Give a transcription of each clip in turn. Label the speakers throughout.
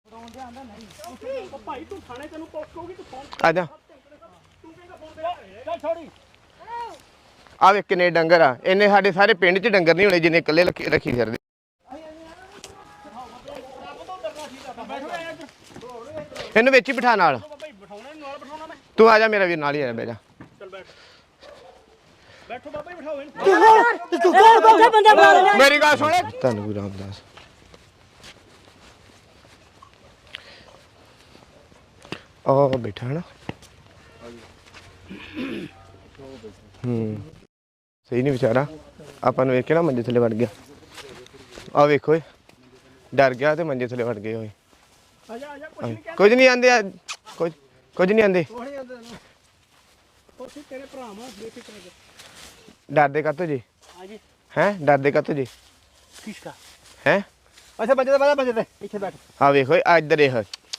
Speaker 1: आ जा आ वे किन्ने डंगर आ इन्ने साडे सारे पिंड च डंगर नहीं होने जिन्ने कल्ले रखी फिरदे इन्नू विच ही बिठा नाल तू आ जा मेरा वीर नाल ही आ बैठ जा मेरी गल सुन धन गुरु रामदास ओ बैठा है ना सही नहीं बेचारा अपन वेख के ना मंजे थले वड़ गया आ वेखो डर गया तो मंजे थले वड़ गए होए कुछ नहीं आंदे कुछ नहीं आंदे डरदे कातो जी हैं डरदे कातो जी
Speaker 2: किसका
Speaker 1: हैं
Speaker 2: अच्छा बंदे दे पीछे बैठ
Speaker 1: हाँ वेखो इधर देख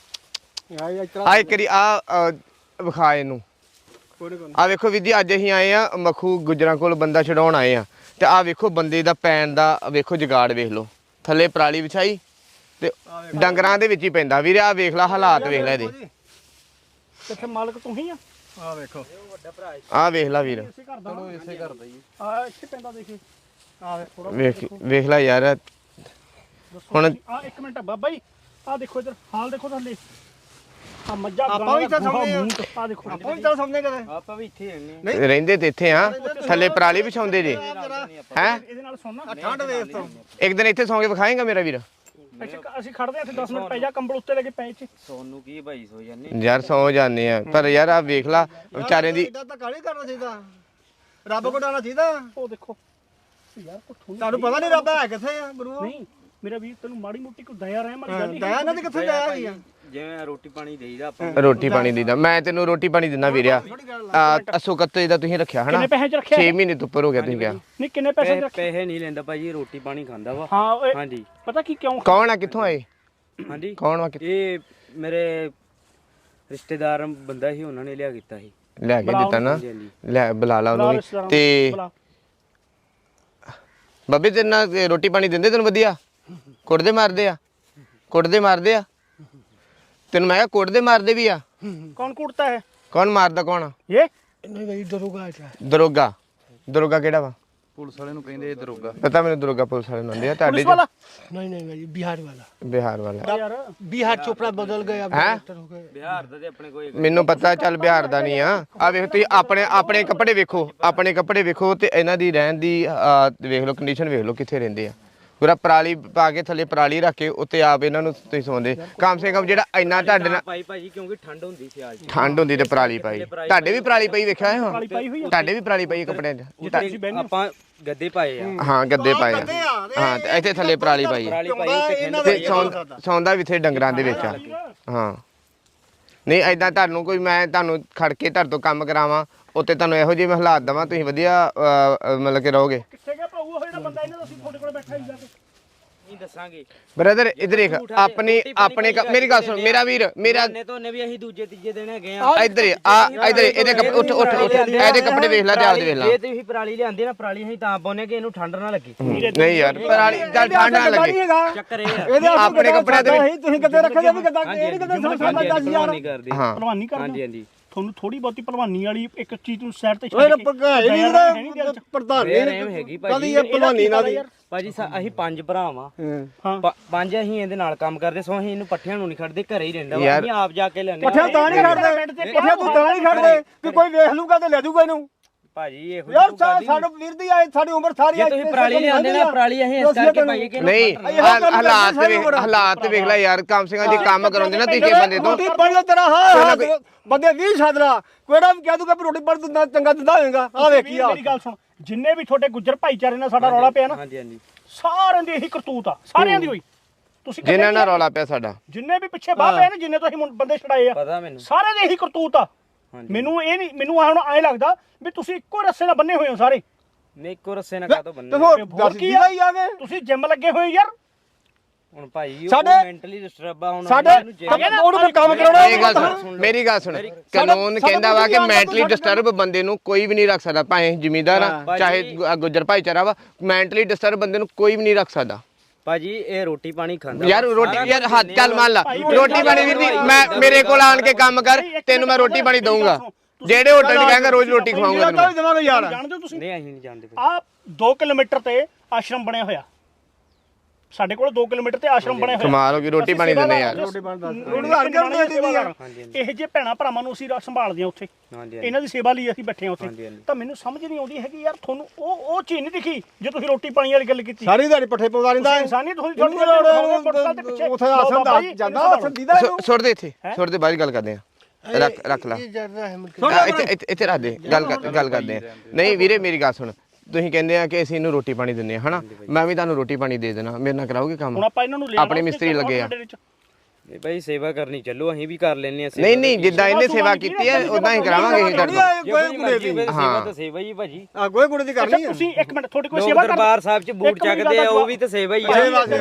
Speaker 1: आ करी आ विखा इनू आ वेखो वीर जी अज असीं आए आ मखू गुजरां कोल बंदा छड़ाउण आए आ ते आ वेखो बंदे दा पैण दा वेखो जुगाड़ वेख लो थल्ले पराली विछाई ते डंगरां दे विच ही पैंदा वीर आ वेख ला हालात वेख ला इहदे
Speaker 2: किथे मालक तू ही आ वेखो
Speaker 1: आ वेख ला वीर
Speaker 2: चलो इसे कर दई आ इथे पैंदा देखी आ थोड़ा
Speaker 1: वेख ला यार हुण
Speaker 2: आ एक मिनट बाबा जी आ देखो इधर हाल देखो थल्ले आ मज्जा
Speaker 3: ਆਪਾਂ ਵੀ ਤਾਂ ਸਮਝਦੇ
Speaker 2: आ देखो
Speaker 3: ਆਪਾਂ ਵੀ ਤਾਂ ਸਮਝਦੇ ਕਦੇ
Speaker 2: ਆਪਾਂ ਵੀ ਇੱਥੇ ਰਹਿੰਦੇ
Speaker 1: ਰਹਿੰਦੇ ਤੇ ਇੱਥੇ ਆ ਥੱਲੇ ਪਰਾਲੀ ਵਿਛਾਉਂਦੇ ਜੇ ਹੈ
Speaker 2: ਇਹਦੇ ਨਾਲ ਸੁਣਨਾ
Speaker 3: ਠੰਡ ਵੇਖ ਤੋਂ
Speaker 1: ਇੱਕ ਦਿਨ ਇੱਥੇ ਸੌਂ ਕੇ ਵਿਖਾਏਗਾ ਮੇਰਾ ਵੀਰ
Speaker 2: ਅਸੀਂ ਖੜਦੇ ਆ ਇੱਥੇ 10 ਮਿੰਟ ਪੈ ਜਾ ਕੰਬਲ ਉੱਤੇ ਲੈ ਕੇ ਪੈ ਇੱਥੇ
Speaker 4: ਸੋਨੂੰ ਕੀ ਭਾਈ ਸੋ ਜਾਂਦੇ
Speaker 1: ਯਾਰ ਸੌਂ ਜਾਂਦੇ ਆ ਪਰ ਯਾਰ ਆ ਵੇਖ ਲਾ ਵਿਚਾਰੇ ਦੀ
Speaker 3: ਇਦਾਂ ਤਾਂ ਕਾਲੀ ਕਰਨਾ ਚਾਹੀਦਾ ਰੱਬ ਕੋਲ ਆਣਾ ਚਾਹੀਦਾ
Speaker 2: ਉਹ ਦੇਖੋ ਯਾਰ ਕੋ
Speaker 3: ਤੁਹਾਨੂੰ ਪਤਾ ਨਹੀਂ ਰੱਬ ਹੈ ਕਿੱਥੇ ਆ ਗੁਰੂ
Speaker 2: ਨਹੀਂ ਮੇਰਾ ਵੀਰ ਤੈਨੂੰ ਮਾੜੀ ਮੋਟੀ ਕੋਈ ਦਇਆ ਰਹਿ ਮਾਰੀ ਗੱਲ ਨਹੀਂ
Speaker 3: ਦਇਆ ਇਹਨਾਂ ਦੀ ਕਿੱਥੇ ਦਇਆ ਹੈਗੀ ਆ
Speaker 4: ਜਿਵੇਂ ਰੋਟੀ ਪਾਣੀ ਦੇਈਦਾ ਆਪਾਂ
Speaker 1: ਰੋਟੀ ਪਾਣੀ ਦੀਦਾ ਮੈਂ ਤੈਨੂੰ ਰੋਟੀ ਪਾਣੀ ਦਿੰਦਾ ਵੀਰਿਆ ਅਸੋ ਕੱਤੇ ਦਾ ਤੁਸੀਂ ਰੱਖਿਆ ਹਨਾ
Speaker 2: ਕਿੰਨੇ ਪੈਸੇ ਚ ਰੱਖਿਆ
Speaker 1: 6 ਮਹੀਨੇ ਤੋਂ ਉੱਪਰ ਹੋ ਗਿਆ ਤੁਸੀਂ ਕਿਹਾ
Speaker 2: ਨਹੀਂ ਕਿੰਨੇ ਪੈਸੇ ਚ ਰੱਖਿਆ
Speaker 4: ਪੈਸੇ ਨਹੀਂ ਲੈਂਦਾ ਭਾਜੀ ਰੋਟੀ ਪਾਣੀ ਖਾਂਦਾ ਵਾ
Speaker 2: ਹਾਂ ਓਏ
Speaker 4: ਹਾਂਜੀ
Speaker 2: ਪਤਾ ਕੀ ਕਿਉਂ
Speaker 1: ਕੌਣ ਆ ਕਿੱਥੋਂ ਆਏ
Speaker 4: ਹਾਂਜੀ
Speaker 1: ਕੌਣ ਆ
Speaker 4: ਇਹ ਮੇਰੇ ਰਿਸ਼ਤੇਦਾਰ ਬੰਦਾ ਸੀ ਉਹਨਾਂ ਨੇ ਲਿਆ ਕੀਤਾ ਸੀ
Speaker 1: ਲੈ ਕੇ ਦਿੱਤਾ ਨਾ ਲੈ ਬੁਲਾ ਲਾ ਉਹਨੂੰ ਵੀ ਤੇ ਬੱਬੇ ਤੇਰੇ ਨਾਲ ਰੋਟੀ ਪਾਣੀ ਦਿੰਦੇ ਤੈਨੂੰ ਵਧੀਆ ਕੁੱਟਦੇ ਮਾਰਦੇ ਆ ਤੈਨੂੰ ਮੈਂ ਕਿਹਾ ਕੁੱਟਦੇ ਮਾਰਦੇ ਵੀ ਆ
Speaker 2: कौन कूटता है
Speaker 1: ਕੌਣ ਮਾਰਦਾ ਕੌਣ ਆ
Speaker 2: ये
Speaker 3: ਨਹੀਂ ਬਈ ਦਰੋਗਾ ਹੈ
Speaker 1: ਦਰੋਗਾ ਕਿਹੜਾ ਵਾ
Speaker 4: ਪੁਲਿਸ ਵਾਲੇ ਨੂੰ ਕਹਿੰਦੇ ਦਰੋਗਾ
Speaker 1: ਪਤਾ ਮੈਨੂੰ ਦਰੋਗਾ ਪੁਲਿਸ ਵਾਲੇ ਨੂੰ ਆਂਦੇ ਆ ਤੁਹਾਡੇ
Speaker 2: पुलिस वाला
Speaker 3: ਨਹੀਂ ਭਾਈ ਬਿਹਾਰ ਵਾਲਾ
Speaker 1: ਬਿਹਾਰ ਵਾਲਾ
Speaker 2: यार
Speaker 3: ਬਿਹਾਰ ਚੋਪੜਾ ਬਦਲ ਗਿਆ
Speaker 1: ਹੈਂ?
Speaker 3: ਹੋ ਗਏ
Speaker 4: ਬਿਹਾਰ ਦਾ ਤੇ ਆਪਣੇ ਕੋਈ
Speaker 1: ਮੈਨੂੰ ਪਤਾ ਚੱਲ ਬਿਹਾਰ ਦਾ ਨਹੀਂ ਆ ਵੇਖ ਤੁਸੀਂ ਆਪਣੇ ਕੱਪੜੇ ਵੇਖੋ ਤੇ ਇਹਨਾਂ ਦੀ ਰਹਿਣ ਦੀ ਵੇਖ ਲਓ ਕੰਡੀਸ਼ਨ ਵੇਖ ਲਓ ਕਿੱਥੇ ਰਹਿੰਦੇ ਆ ਪੂਰਾ ਪਰਾਲੀ ਪਾ ਕੇ ਥੱਲੇ ਪਰਾਲੀ ਰੱਖ ਕੇ ਉੱਤੇ ਆਪ ਇਹਨਾਂ ਨੂੰ ਤੁਸੀਂ ਸੌਂਦੇ ਕਮ ਸੇ ਕਮ ਜਿਹੜਾ ਇੰਨਾ ਤੁਹਾਡੇ ਨਾਲ
Speaker 4: ਪਾਈ ਭਾਜੀ ਕਿਉਂਕਿ ਠੰਡ ਹੁੰਦੀ ਸਿਆਲ ਚ
Speaker 1: ਠੰਡ ਹੁੰਦੀ ਤੇ ਪਰਾਲੀ ਪਾਈ ਤੁਹਾਡੇ ਵੀ ਪਰਾਲੀ ਪਈ ਵੇਖਿਆ ਹੈ
Speaker 2: काली पाई हुई है
Speaker 1: ਤੁਹਾਡੇ ਵੀ ਪਰਾਲੀ ਪਈ ਕੱਪੜਿਆਂ 'ਚ
Speaker 4: ਜਿੱਥੇ ਆਪਾਂ ਗੱਦੇ ਪਾਏ ਆ
Speaker 1: ਹਾਂ ਗੱਦੇ ਪਾਏ ਆ ਹਾਂ ਤੇ ਇੱਥੇ ਥੱਲੇ ਪਰਾਲੀ ਪਾਈ ਆ
Speaker 4: ਪਰਾਲੀ ਪਾਈ ਤੇ
Speaker 1: ਤੇ ਸੌਂਦਾ ਵੀ ਇੱਥੇ ਡੰਗਰਾਂ ਦੇ ਵਿੱਚ ਆ ਹਾਂ ਨਹੀਂ ਐਦਾਂ ਤੁਹਾਨੂੰ ਕੋਈ ਮੈਂ ਤੁਹਾਨੂੰ ਖੜ ਕੇ ਤੁਹਾਡੇ ਤੋਂ ਕੰਮ ਕਰਾਵਾਂ ਉੱਤੇ ਤੁਹਾਨੂੰ ਇਹੋ ਜਿਹੇ ਮੈਂ ਹਾਲਾਤ ਦੇਵਾਂ ਤੁਸੀਂ ਵਧੀਆ ਮਤਲਬ ਕਿ ਰਹੋਗੇ
Speaker 2: किथे गया पाऊ ਉਹ ਜਿਹੜਾ ਬੰਦਾ ਇਹਨਾਂ ਦਾ ਅਸੀਂ ਤੁਹਾਡੇ ਕੋਲ ਬੈਠਾ ਹੀ ਜਾ ਕੇ
Speaker 4: ਨਹੀਂ ਦੱਸਾਂਗੇ
Speaker 1: ਬ੍ਰਦਰ ਇਧਰ ਦੇਖ ਆਪਣੇ ਮੇਰੀ ਗੱਲ ਸੁਣ ਮੇਰਾ ਵੀਰ ਮੇਰਾ
Speaker 4: ਨੇ ਤੋਂ ਨੇ ਵੀ ਅਸੀਂ ਦੂਜੇ ਤੀਜੇ ਦਿਨ ਹੈਗੇ ਆ
Speaker 1: ਇੱਧਰ ਇੱਧਰ ਇਹਦੇ ਉੱਠ ਇਹਦੇ ਕੱਪੜੇ ਵੇਖ ਲੈ ਤੇ ਆਪਦੇ ਵੇਖ ਲੈ
Speaker 4: ਜੇ ਤੁਸੀਂ ਪਰਾਲੀ ਲਿਆਂਦੇ ਨਾ ਪਰਾਲੀ ਅਸੀਂ ਤਾਂ ਪਾਉਨੇ ਕਿ ਇਹਨੂੰ ਠੰਡ ਨਾ ਲੱਗੇ
Speaker 1: ਨਹੀਂ ਯਾਰ ਪਰਾਲੀ ਚੱਲ ਠੰਡ ਨਾ ਲੱਗੇ
Speaker 4: ਚੱਕਰ ਇਹ ਆ
Speaker 3: ਇਹਦੇ
Speaker 1: ਆਪਣੇ ਕੱਪੜਿਆਂ ਦੇ ਵਿੱਚ
Speaker 3: ਤੁਸੀਂ ਕਿੱਥੇ ਰੱਖਦੇ ਵੀ ਕਿੱਦਾਂ ਇਹ ਨਹੀਂ ਕਿੱਦਾਂ ਸਾਡਾ 10000
Speaker 4: ਨਹੀਂ ਕਰਦੇ
Speaker 1: ਹਾਂ
Speaker 2: ਭਲਵਾਨੀ ਕਰਦੇ
Speaker 4: ਹਾਂਜੀ ਹਾਂਜੀ
Speaker 2: ਤੁਹਾਨੂੰ ਥੋੜੀ ਬਹੁਤੀ ਭਲਵਾਨੀ ਵਾਲੀ ਇੱਕ ਚੀਜ਼ ਨੂੰ ਸਾਈਡ ਤੇ
Speaker 3: ਓਏ
Speaker 2: ਛੱਡ ਕੇ
Speaker 3: ਪੱਕਾ ਇਹ ਨਹੀਂ ਪ੍ਰਧਾਨ
Speaker 4: ਰਹਿਮ ਹੈਗੀ ਭਾਜੀ
Speaker 3: ਇਹ ਭਲਵਾਨੀ ਨਾਲ ਦੀ
Speaker 4: ਭਾਜੀ ਅਸੀਂ 5 ਭਰਾ ਵਾਂ
Speaker 2: ਹਾਂ
Speaker 4: 5 ਅਸੀਂ ਇਹਦੇ ਨਾਲ ਕੰਮ ਕਰਦੇ ਸੋ ਅਸੀਂ ਇਹਨੂੰ ਪੱਠਿਆਂ ਨੂੰ ਨਹੀਂ ਖੜਦੇ ਘਰੇ ਹੀ ਰਹਿੰਦਾ ਵਾ ਅਸੀਂ ਆਪ ਜਾ ਕੇ ਲੈਣੇ
Speaker 3: ਪੱਠਿਆਂ ਤਾਂ ਨਹੀਂ ਖੜਦੇ ਪੱਠਿਆਂ ਤੂੰ ਤਾਂ ਨਹੀਂ ਖੜਦੇ ਕਿ ਕੋਈ ਵੇਖ ਲੂਗਾ ਤੇ ਲੈ ਜਾਊਗਾ ਇਹਨੂੰ
Speaker 4: ਭਾਜੀ ਇਹੋ
Speaker 3: ਯਾਰ ਸਾਡਾ ਵੀਰ ਦੀ ਆਏ ਸਾਡੀ ਉਮਰ ਸਾਰੀ
Speaker 4: ਜੇ ਤੁਸੀਂ ਪਰਾਲੀ ਲਿਆਂਦੇ ਨਾ ਪਰਾਲੀ ਅਸੀਂ ਇਸ ਕਰਕੇ ਪਾਈਏ ਕਿ
Speaker 1: ਨਹੀਂ ਹਾਲਾਤ ਵੇਖ ਲੈ ਯਾਰ ਕਮ ਸੇ ਕਮ ਜੇ ਕੰਮ ਕਰਾਉਂਦੇ ਨਾ ਤੁਸੀਂ ਬੰਦੇ ਤੋਂ
Speaker 3: ਰੋਟੀ ਪੜ ਲੈ ਤੇਰਾ ਹਾਂ ਬੰਦੇ 20 ਛਾਦਰਾ ਕੋੜਾ ਵੀ ਕਹਿ ਦੂਗਾ ਵੀ ਰੋਟੀ ਪੜ ਦਿੰਦਾ ਚੰਗਾ ਦਿੰਦਾ ਹੋਏਗਾ ਆ ਵੇਖੀ ਆ
Speaker 2: ਮੇਰੀ ਗੱਲ ਸੁਣ ਜਿੰਨੇ ਵੀ ਤੁਹਾਡੇ ਗੁੱਜਰ ਭਾਈਚਾਰੇ ਨਾਲ ਸਾਡਾ ਰੌਲਾ ਪਿਆ ਨਾ
Speaker 4: ਹਾਂਜੀ ਹਾਂਜੀ
Speaker 2: ਸਾਰਿਆਂ ਦੀ ਇਹੀ ਕਰਤੂਤ ਆ ਸਾਰਿਆਂ ਦੀ ਹੋਈ ਤੁਸੀਂ
Speaker 1: ਜਿਨ੍ਹਾਂ ਨਾਲ ਰੌਲਾ ਪਿਆ ਸਾਡਾ
Speaker 2: ਜਿੰਨੇ ਵੀ ਪਿੱਛੇ ਬਾਹ ਪਏ ਨੇ ਜਿੰਨੇ ਤੁਸੀਂ ਬੰਦੇ ਛੜਾਏ ਆ
Speaker 4: ਪਤਾ ਮੈਨੂੰ
Speaker 2: ਸਾਰਿਆਂ ਦੀ ਇਹੀ ਕਰਤੂਤ ਆ ਮੈਨੂੰ ਇਹ ਨਹੀਂ ਮੈਨੂੰ ਹੁਣ ਐ ਲੱਗਦਾ ਵੀ ਤੁਸੀਂ ਇੱਕੋ ਰੱਸੇ ਨਾਲ ਬੰਨੇ ਹੋਏ ਹੋ ਸਾਰੇ
Speaker 4: ਨਹੀਂ ਇੱਕੋ ਰੱਸੇ ਨਾਲ ਕਾਹਤੋਂ ਬੰਨੇ
Speaker 3: ਤੇ ਹੋਰ ਦੱਸ ਕੀ ਆ ਆਵੇ
Speaker 2: ਤੁਸੀਂ ਜਿਮ ਲੱਗੇ ਹੋਏ ਯਾਰ
Speaker 4: ਹੁਣ ਭਾਈ ਉਹ
Speaker 3: ਸਾਡੇ-
Speaker 4: ਮੈਂਟਲੀ ਡਿਸਟਰਬ ਆ ਹੁਣ
Speaker 3: ਸਾਡੇ ਉਹਨੂੰ ਫਿਰ ਕੰਮ ਕਰਾਉਣਾ
Speaker 1: ਮੇਰੀ ਗੱਲ ਸੁਣ ਕਾਨੂੰਨ ਕਹਿੰਦਾ ਵਾ ਕਿ ਮੈਂਟਲੀ ਡਿਸਟਰਬ ਬੰਦੇ ਨੂੰ ਕੋਈ ਵੀ ਨਹੀਂ ਰੱਖ ਸਕਦਾ ਭਾਵੇਂ ਜ਼ਿਮੀਂਦਾਰ ਆ ਚਾਹੇ ਗੁੱਜਰ ਭਾਈਚਾਰਾ ਵਾ ਮੈਂਟਲੀ ਡਿਸਟਰਬ ਬੰਦੇ ਨੂੰ ਕੋਈ ਵੀ ਨਹੀਂ ਰੱਖ ਸਕਦਾ
Speaker 4: ਭਾਜੀ ਇਹ ਰੋਟੀ ਪਾਣੀ ਖਾਂਦਾ
Speaker 1: ਯਾਰ ਰੋਟੀ ਯਾਰ ਹੱਥ ਚੱਲ ਮੰਨ ਲਾ ਰੋਟੀ ਪਾਣੀ ਵੀਰ ਜੀ ਮੈਂ ਮੇਰੇ ਕੋਲ ਆਣ ਕੇ ਕੰਮ ਕਰ ਤੈਨੂੰ ਮੈਂ ਰੋਟੀ ਪਾਣੀ ਦਊਂਗਾ ਜਿਹੜੇ ਹੋਟਲ 'ਚ ਕਹਾਂਗਾ ਰੋਜ਼ ਰੋਟੀ ਖਵਾਉਂਗਾ ਤੈਨੂੰ
Speaker 3: ਦੇਵਾਂਗੇ ਯਾਰ
Speaker 2: ਜਾਣਦੇ ਹੋ ਤੁਸੀਂ
Speaker 4: ਨਹੀਂ ਅਸੀਂ ਨਹੀਂ ਜਾਣਦੇ
Speaker 2: ਆ 2 ਕਿਲੋਮੀਟਰ ਤੇ ਆਸ਼ਰਮ ਬਣਿਆ ਹੋਇਆ ਸਾਡੇ ਕੋਲ 2 ਕਿਲੋਮੀਟਰ ਤੇ ਆਸ਼ਰਮ ਬਣਿਆ ਹੋਇਆ
Speaker 1: ਕਮਾਲ ਹੋ ਗਈ ਰੋਟੀ ਪਾਣੀ ਦਿੰਦੇ ਯਾਰ
Speaker 2: ਇਹ ਜੇ ਭੈਣਾ ਭਰਾਵਾਂ ਨੂੰ ਅਸੀਂ ਸੰਭਾਲਦੇ ਆ ਉੱਥੇ
Speaker 4: ਹਾਂਜੀ
Speaker 2: ਇਹਨਾਂ ਦੀ ਸੇਵਾ ਲਈ ਅਸੀਂ ਬੈਠੇ ਆ ਉੱਥੇ ਤਾਂ ਮੈਨੂੰ ਸਮਝ ਨਹੀਂ ਆਉਂਦੀ ਹੈਗੀ ਯਾਰ ਤੁਹਾਨੂੰ ਉਹ ਚੀਜ਼ ਨਹੀਂ ਦਿਖੀ ਜੇ ਤੁਸੀਂ ਰੋਟੀ ਪਾਣੀ ਵਾਲੀ ਗੱਲ ਕੀਤੀ
Speaker 3: ਸਾਰੀ ਦਿਹਾੜੀ ਪੱਠੇ ਪਵਾ ਲੈਂਦਾ
Speaker 2: ਇਨਸਾਨੀਅਤ ਤੁਸੀਂ
Speaker 3: ਉਥੇ ਆਸਨ ਦਾ ਜਾਂਦਾ ਆਸਨ ਦੀਦਾ
Speaker 1: ਸੁੱਟ ਦੇ ਇੱਥੇ ਸੁੱਟ ਦੇ ਬਾਹਰ ਗੱਲ ਕਰਦੇ ਆ ਰੱਖ ਲਾ ਇੱਥੇ ਰੱਖ ਦੇ ਗੱਲ ਕਰਦੇ ਆ ਨਹੀਂ ਵੀਰੇ ਮੇਰੀ ਗੱਲ ਸੁਣ ਤੁਸੀਂ ਕਹਿੰਦੇ ਆ ਕਿ ਅਸੀਂ ਇਹਨੂੰ ਰੋਟੀ ਪਾਣੀ ਦਿੰਦੇ ਆ ਹਨਾ ਮੈਂ ਵੀ ਤੁਹਾਨੂੰ ਰੋਟੀ ਪਾਣੀ ਦੇ ਦੇਣਾ ਮੇਰੇ ਨਾਲ ਕਰਾਓਗੇ ਕੰਮ
Speaker 2: ਹੁਣ ਆਪਾਂ ਇਹਨਾਂ ਨੂੰ
Speaker 1: ਆਪਣੇ ਮਿਸਤਰੀ ਲੱਗੇ ਆ
Speaker 4: ਨਹੀਂ ਭਾਈ ਸੇਵਾ ਕਰਨੀ ਚੱਲੋ ਅਸੀਂ ਵੀ ਕਰ ਲੈਨੇ ਆ
Speaker 1: ਨਹੀਂ ਜਿੱਦਾਂ ਇਹਨੇ ਸੇਵਾ ਕੀਤੀ ਹੈ ਉਦਾਂ ਹੀ ਕਰਾਵਾਂਗੇ ਅਸੀਂ ਤੁਹਾਡੇ
Speaker 4: ਸੇਵਾ ਤਾਂ ਸੇਵਾ ਹੀ ਭਾਜੀ
Speaker 3: ਆ ਗੋਏ ਗੁੜੇ ਦੀ ਕਰਨੀ ਹੈ
Speaker 2: ਤੁਸੀਂ ਇੱਕ ਮਿੰਟ ਤੁਹਾਡੇ ਕੋਈ
Speaker 4: ਲੋਕ
Speaker 2: ਸੇਵਾ ਕਰ
Speaker 4: ਦਰਬਾਰ ਸਾਹਿਬ 'ਚ ਬੂਟ ਚੱਕਦੇ ਆ ਉਹ ਵੀ ਤਾਂ ਸੇਵਾ ਹੀ ਆ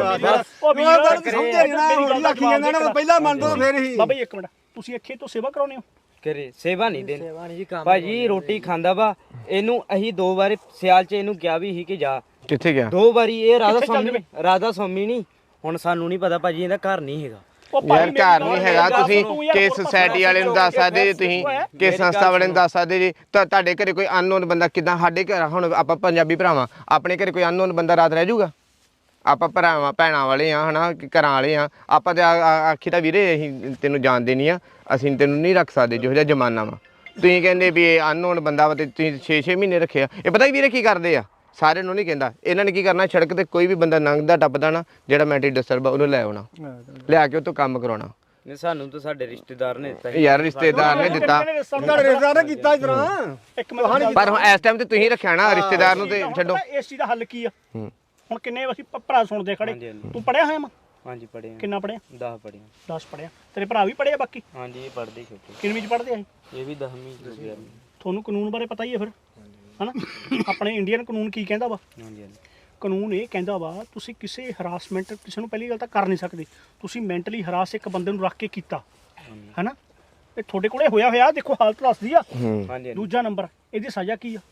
Speaker 2: ਉਹ ਵੀ
Speaker 3: ਸਮਝੇ ਨਾ ਲੱਖੀ ਜਾਂਦਾ ਨਾ ਪਹਿਲਾਂ ਮੰਨ ਦੋ ਫੇਰ ਹੀ
Speaker 2: ਬਾਬਾ ਜੀ ਇੱਕ ਮਿੰਟ ਤੁਸੀਂ ਇੱਥੇ ਤੋਂ ਸੇਵਾ ਕਰਾਉਨੇ ਹੋ
Speaker 4: ਕਰੇ ਸੇਵਾ ਨਹੀਂ ਦੇਣੀ ਭਾਜੀ ਰੋਟੀ ਖਾਂਦਾ ਵਾ ਇਹਨੂੰ ਅਸੀਂ 2 ਵਾਰ ਸਿਆਲ 'ਚ ਇਹਨੂੰ ਕਿਹਾ ਵੀ ਸੀ ਕਿ ਜਾ
Speaker 1: ਕਿੱਥੇ ਗਿਆ
Speaker 4: 2 ਵਾਰੀ ਇਹ ਰਾਧਾ ਸਵਾਮੀ ਨਹੀਂ ਹੁਣ ਸਾਨੂੰ ਨਹੀਂ ਪਤਾ ਭਾਜੀ ਇਹਦਾ ਘਰ ਨਹੀਂ ਹੈਗਾ
Speaker 1: ਯਾਰ ਘਰ ਨਹੀਂ ਹੈਗਾ ਤੁਸੀਂ ਕਿਸ ਸੁਸਾਇਟੀ ਵਾਲੇ ਨੂੰ ਦੱਸ ਸਕਦੇ ਜੀ ਤੁਸੀਂ ਕਿਸ ਸੰਸਥਾ ਵਾਲੇ ਨੂੰ ਦੱਸ ਸਕਦੇ ਜੀ ਤਾਂ ਤੁਹਾਡੇ ਘਰੇ ਕੋਈ ਅਨਨੋਨ ਬੰਦਾ ਕਿਦਾਂ ਸਾਡੇ ਘਰ ਹੁਣ ਆਪਾਂ ਪੰਜਾਬੀ ਭਰਾਵਾਂ ਆਪਣੇ ਘਰੇ ਕੋਈ ਅਨਨੋਨ ਬੰਦਾ ਰਾਤ ਰਹਿ ਜਾਊਗਾ ਆਪਾਂ ਭਰਾਵਾਂ ਭੈਣਾਂ ਵਾਲੇ ਆ ਹਨਾ ਘਰਾਂ ਵਾਲੇ ਆ ਆਪਾਂ ਤੇ ਆਖੀ ਤਾਂ ਵੀਰੇ ਅਸੀਂ ਤੈਨੂੰ ਜਾਣਦੇ ਨਹੀਂ ਆ ਅਸੀਂ ਤੈਨੂੰ ਨਹੀਂ ਰੱਖ ਸਕਦੇ ਜਿਹੋ ਜਿਹਾ ਜ਼ਮਾਨਾ ਵਾ ਤੁਸੀਂ ਕਹਿੰਦੇ ਵੀ ਇਹ ਅਨਨੋਨ ਬੰਦਾ ਵਾ ਤੇ ਤੁਸੀਂ 6-6 ਮਹੀਨੇ ਰੱਖਿਆ ਇਹ ਪਤਾ ਵੀਰੇ ਕੀ ਕਰਦੇ ਆ ਸਾਰਿਆਂ ਨੂੰ ਨਹੀਂ ਕਹਿੰਦਾ ਇਹਨਾਂ ਨੇ ਕੀ ਕਰਨਾ ਸੜਕ ਤੇ ਕੋਈ ਵੀ ਬੰਦਾ ਲੰਘਦਾ ਟੱਪਦਾ ਨਾ ਜਿਹੜਾ ਮੈਂਟਲੀ ਡਿਸਟਰਬ ਆ ਉਹਨੂੰ ਲੈ ਆਉਣਾ ਲਿਆ ਕੇ ਉਹ ਤੋਂ ਕੰਮ ਕਰਾਉਣਾ
Speaker 4: ਨਹੀਂ ਸਾਨੂੰ ਤਾਂ ਸਾਡੇ ਰਿਸ਼ਤੇਦਾਰ ਨੇ ਦਿੱਤਾ
Speaker 1: ਯਾਰ ਰਿਸ਼ਤੇਦਾਰ ਨੇ ਦਿੱਤਾ
Speaker 3: ਤੁਹਾਡੇ ਰਿਸ਼ਤੇਦਾਰ ਨੇ ਕੀਤਾ ਇਸ ਤਰ੍ਹਾਂ
Speaker 2: ਇੱਕ ਮਿੰਟ
Speaker 1: ਪਰ ਹੁਣ ਇਸ ਟਾਈਮ ਤੇ ਤੁਸੀਂ ਰੱਖਿਆ ਨਾ ਰਿਸ਼ਤੇਦਾਰ ਨੂੰ ਤੇ ਛੱਡੋ
Speaker 2: ਇਸ ਚੀਜ਼ ਦਾ ਹੱਲ ਕੀ ਆ ਹੁਣ ਕਿੰਨੇ ਅਸੀਂ ਭਰਾ ਸੁਣਦੇ ਖੜੇ ਤੂੰ ਪੜਿਆ ਹੋਇਆ ਮੈਂ
Speaker 4: ਹਾਂਜੀ ਪੜ੍ਹੇ
Speaker 2: ਕਿੰਨਾ ਪੜਿਆ
Speaker 4: 10 ਪੜ੍ਹੇ
Speaker 2: 10 ਪੜਿਆ ਤੇਰੇ ਭਰਾ ਵੀ ਪੜਿਆ ਬਾਕੀ
Speaker 4: ਹਾਂਜੀ ਇਹ ਪੜ੍ਹਦੇ ਛੋਟੇ
Speaker 2: ਕਿੰਨਵੀਂ ਚ ਪੜਦੇ ਆ
Speaker 4: ਇਹ ਵੀ 10ਵੀਂ 11ਵੀਂ
Speaker 2: ਤੁਹਾਨੂੰ ਕਾਨੂੰਨ ਬਾਰੇ ਪਤਾ ਹੀ ਹੈ ਫਿਰ ਹਨਾ ਆਪਣੇ ਇੰਡੀਅਨ ਕਾਨੂੰਨ ਕੀ ਕਹਿੰਦਾ ਵਾ
Speaker 4: ਹਾਂਜੀ
Speaker 2: ਕਾਨੂੰਨ ਇਹ ਕਹਿੰਦਾ ਵਾ ਤੁਸੀਂ ਕਿਸੇ ਹਰਾਸਮੈਂਟ ਕਿਸੇ ਨੂੰ ਪਹਿਲੀ ਗੱਲ ਤਾਂ ਕਰ ਨਹੀਂ ਸਕਦੇ ਤੁਸੀਂ ਮੈਂਟਲੀ ਹਰਾਸ ਇੱਕ ਬੰਦੇ ਨੂੰ ਰੱਖ ਕੇ ਕੀਤਾ ਹਨਾ ਇਹ ਤੁਹਾਡੇ ਕੋਲੇ ਹੋਇਆ ਦੇਖੋ ਹਾਲਤ ਦੱਸਦੀ ਆ
Speaker 4: ਹਾਂਜੀ
Speaker 2: ਦੂਜਾ ਨੰਬਰ ਇਹਦੀ ਸਜ਼ਾ ਕੀ ਆ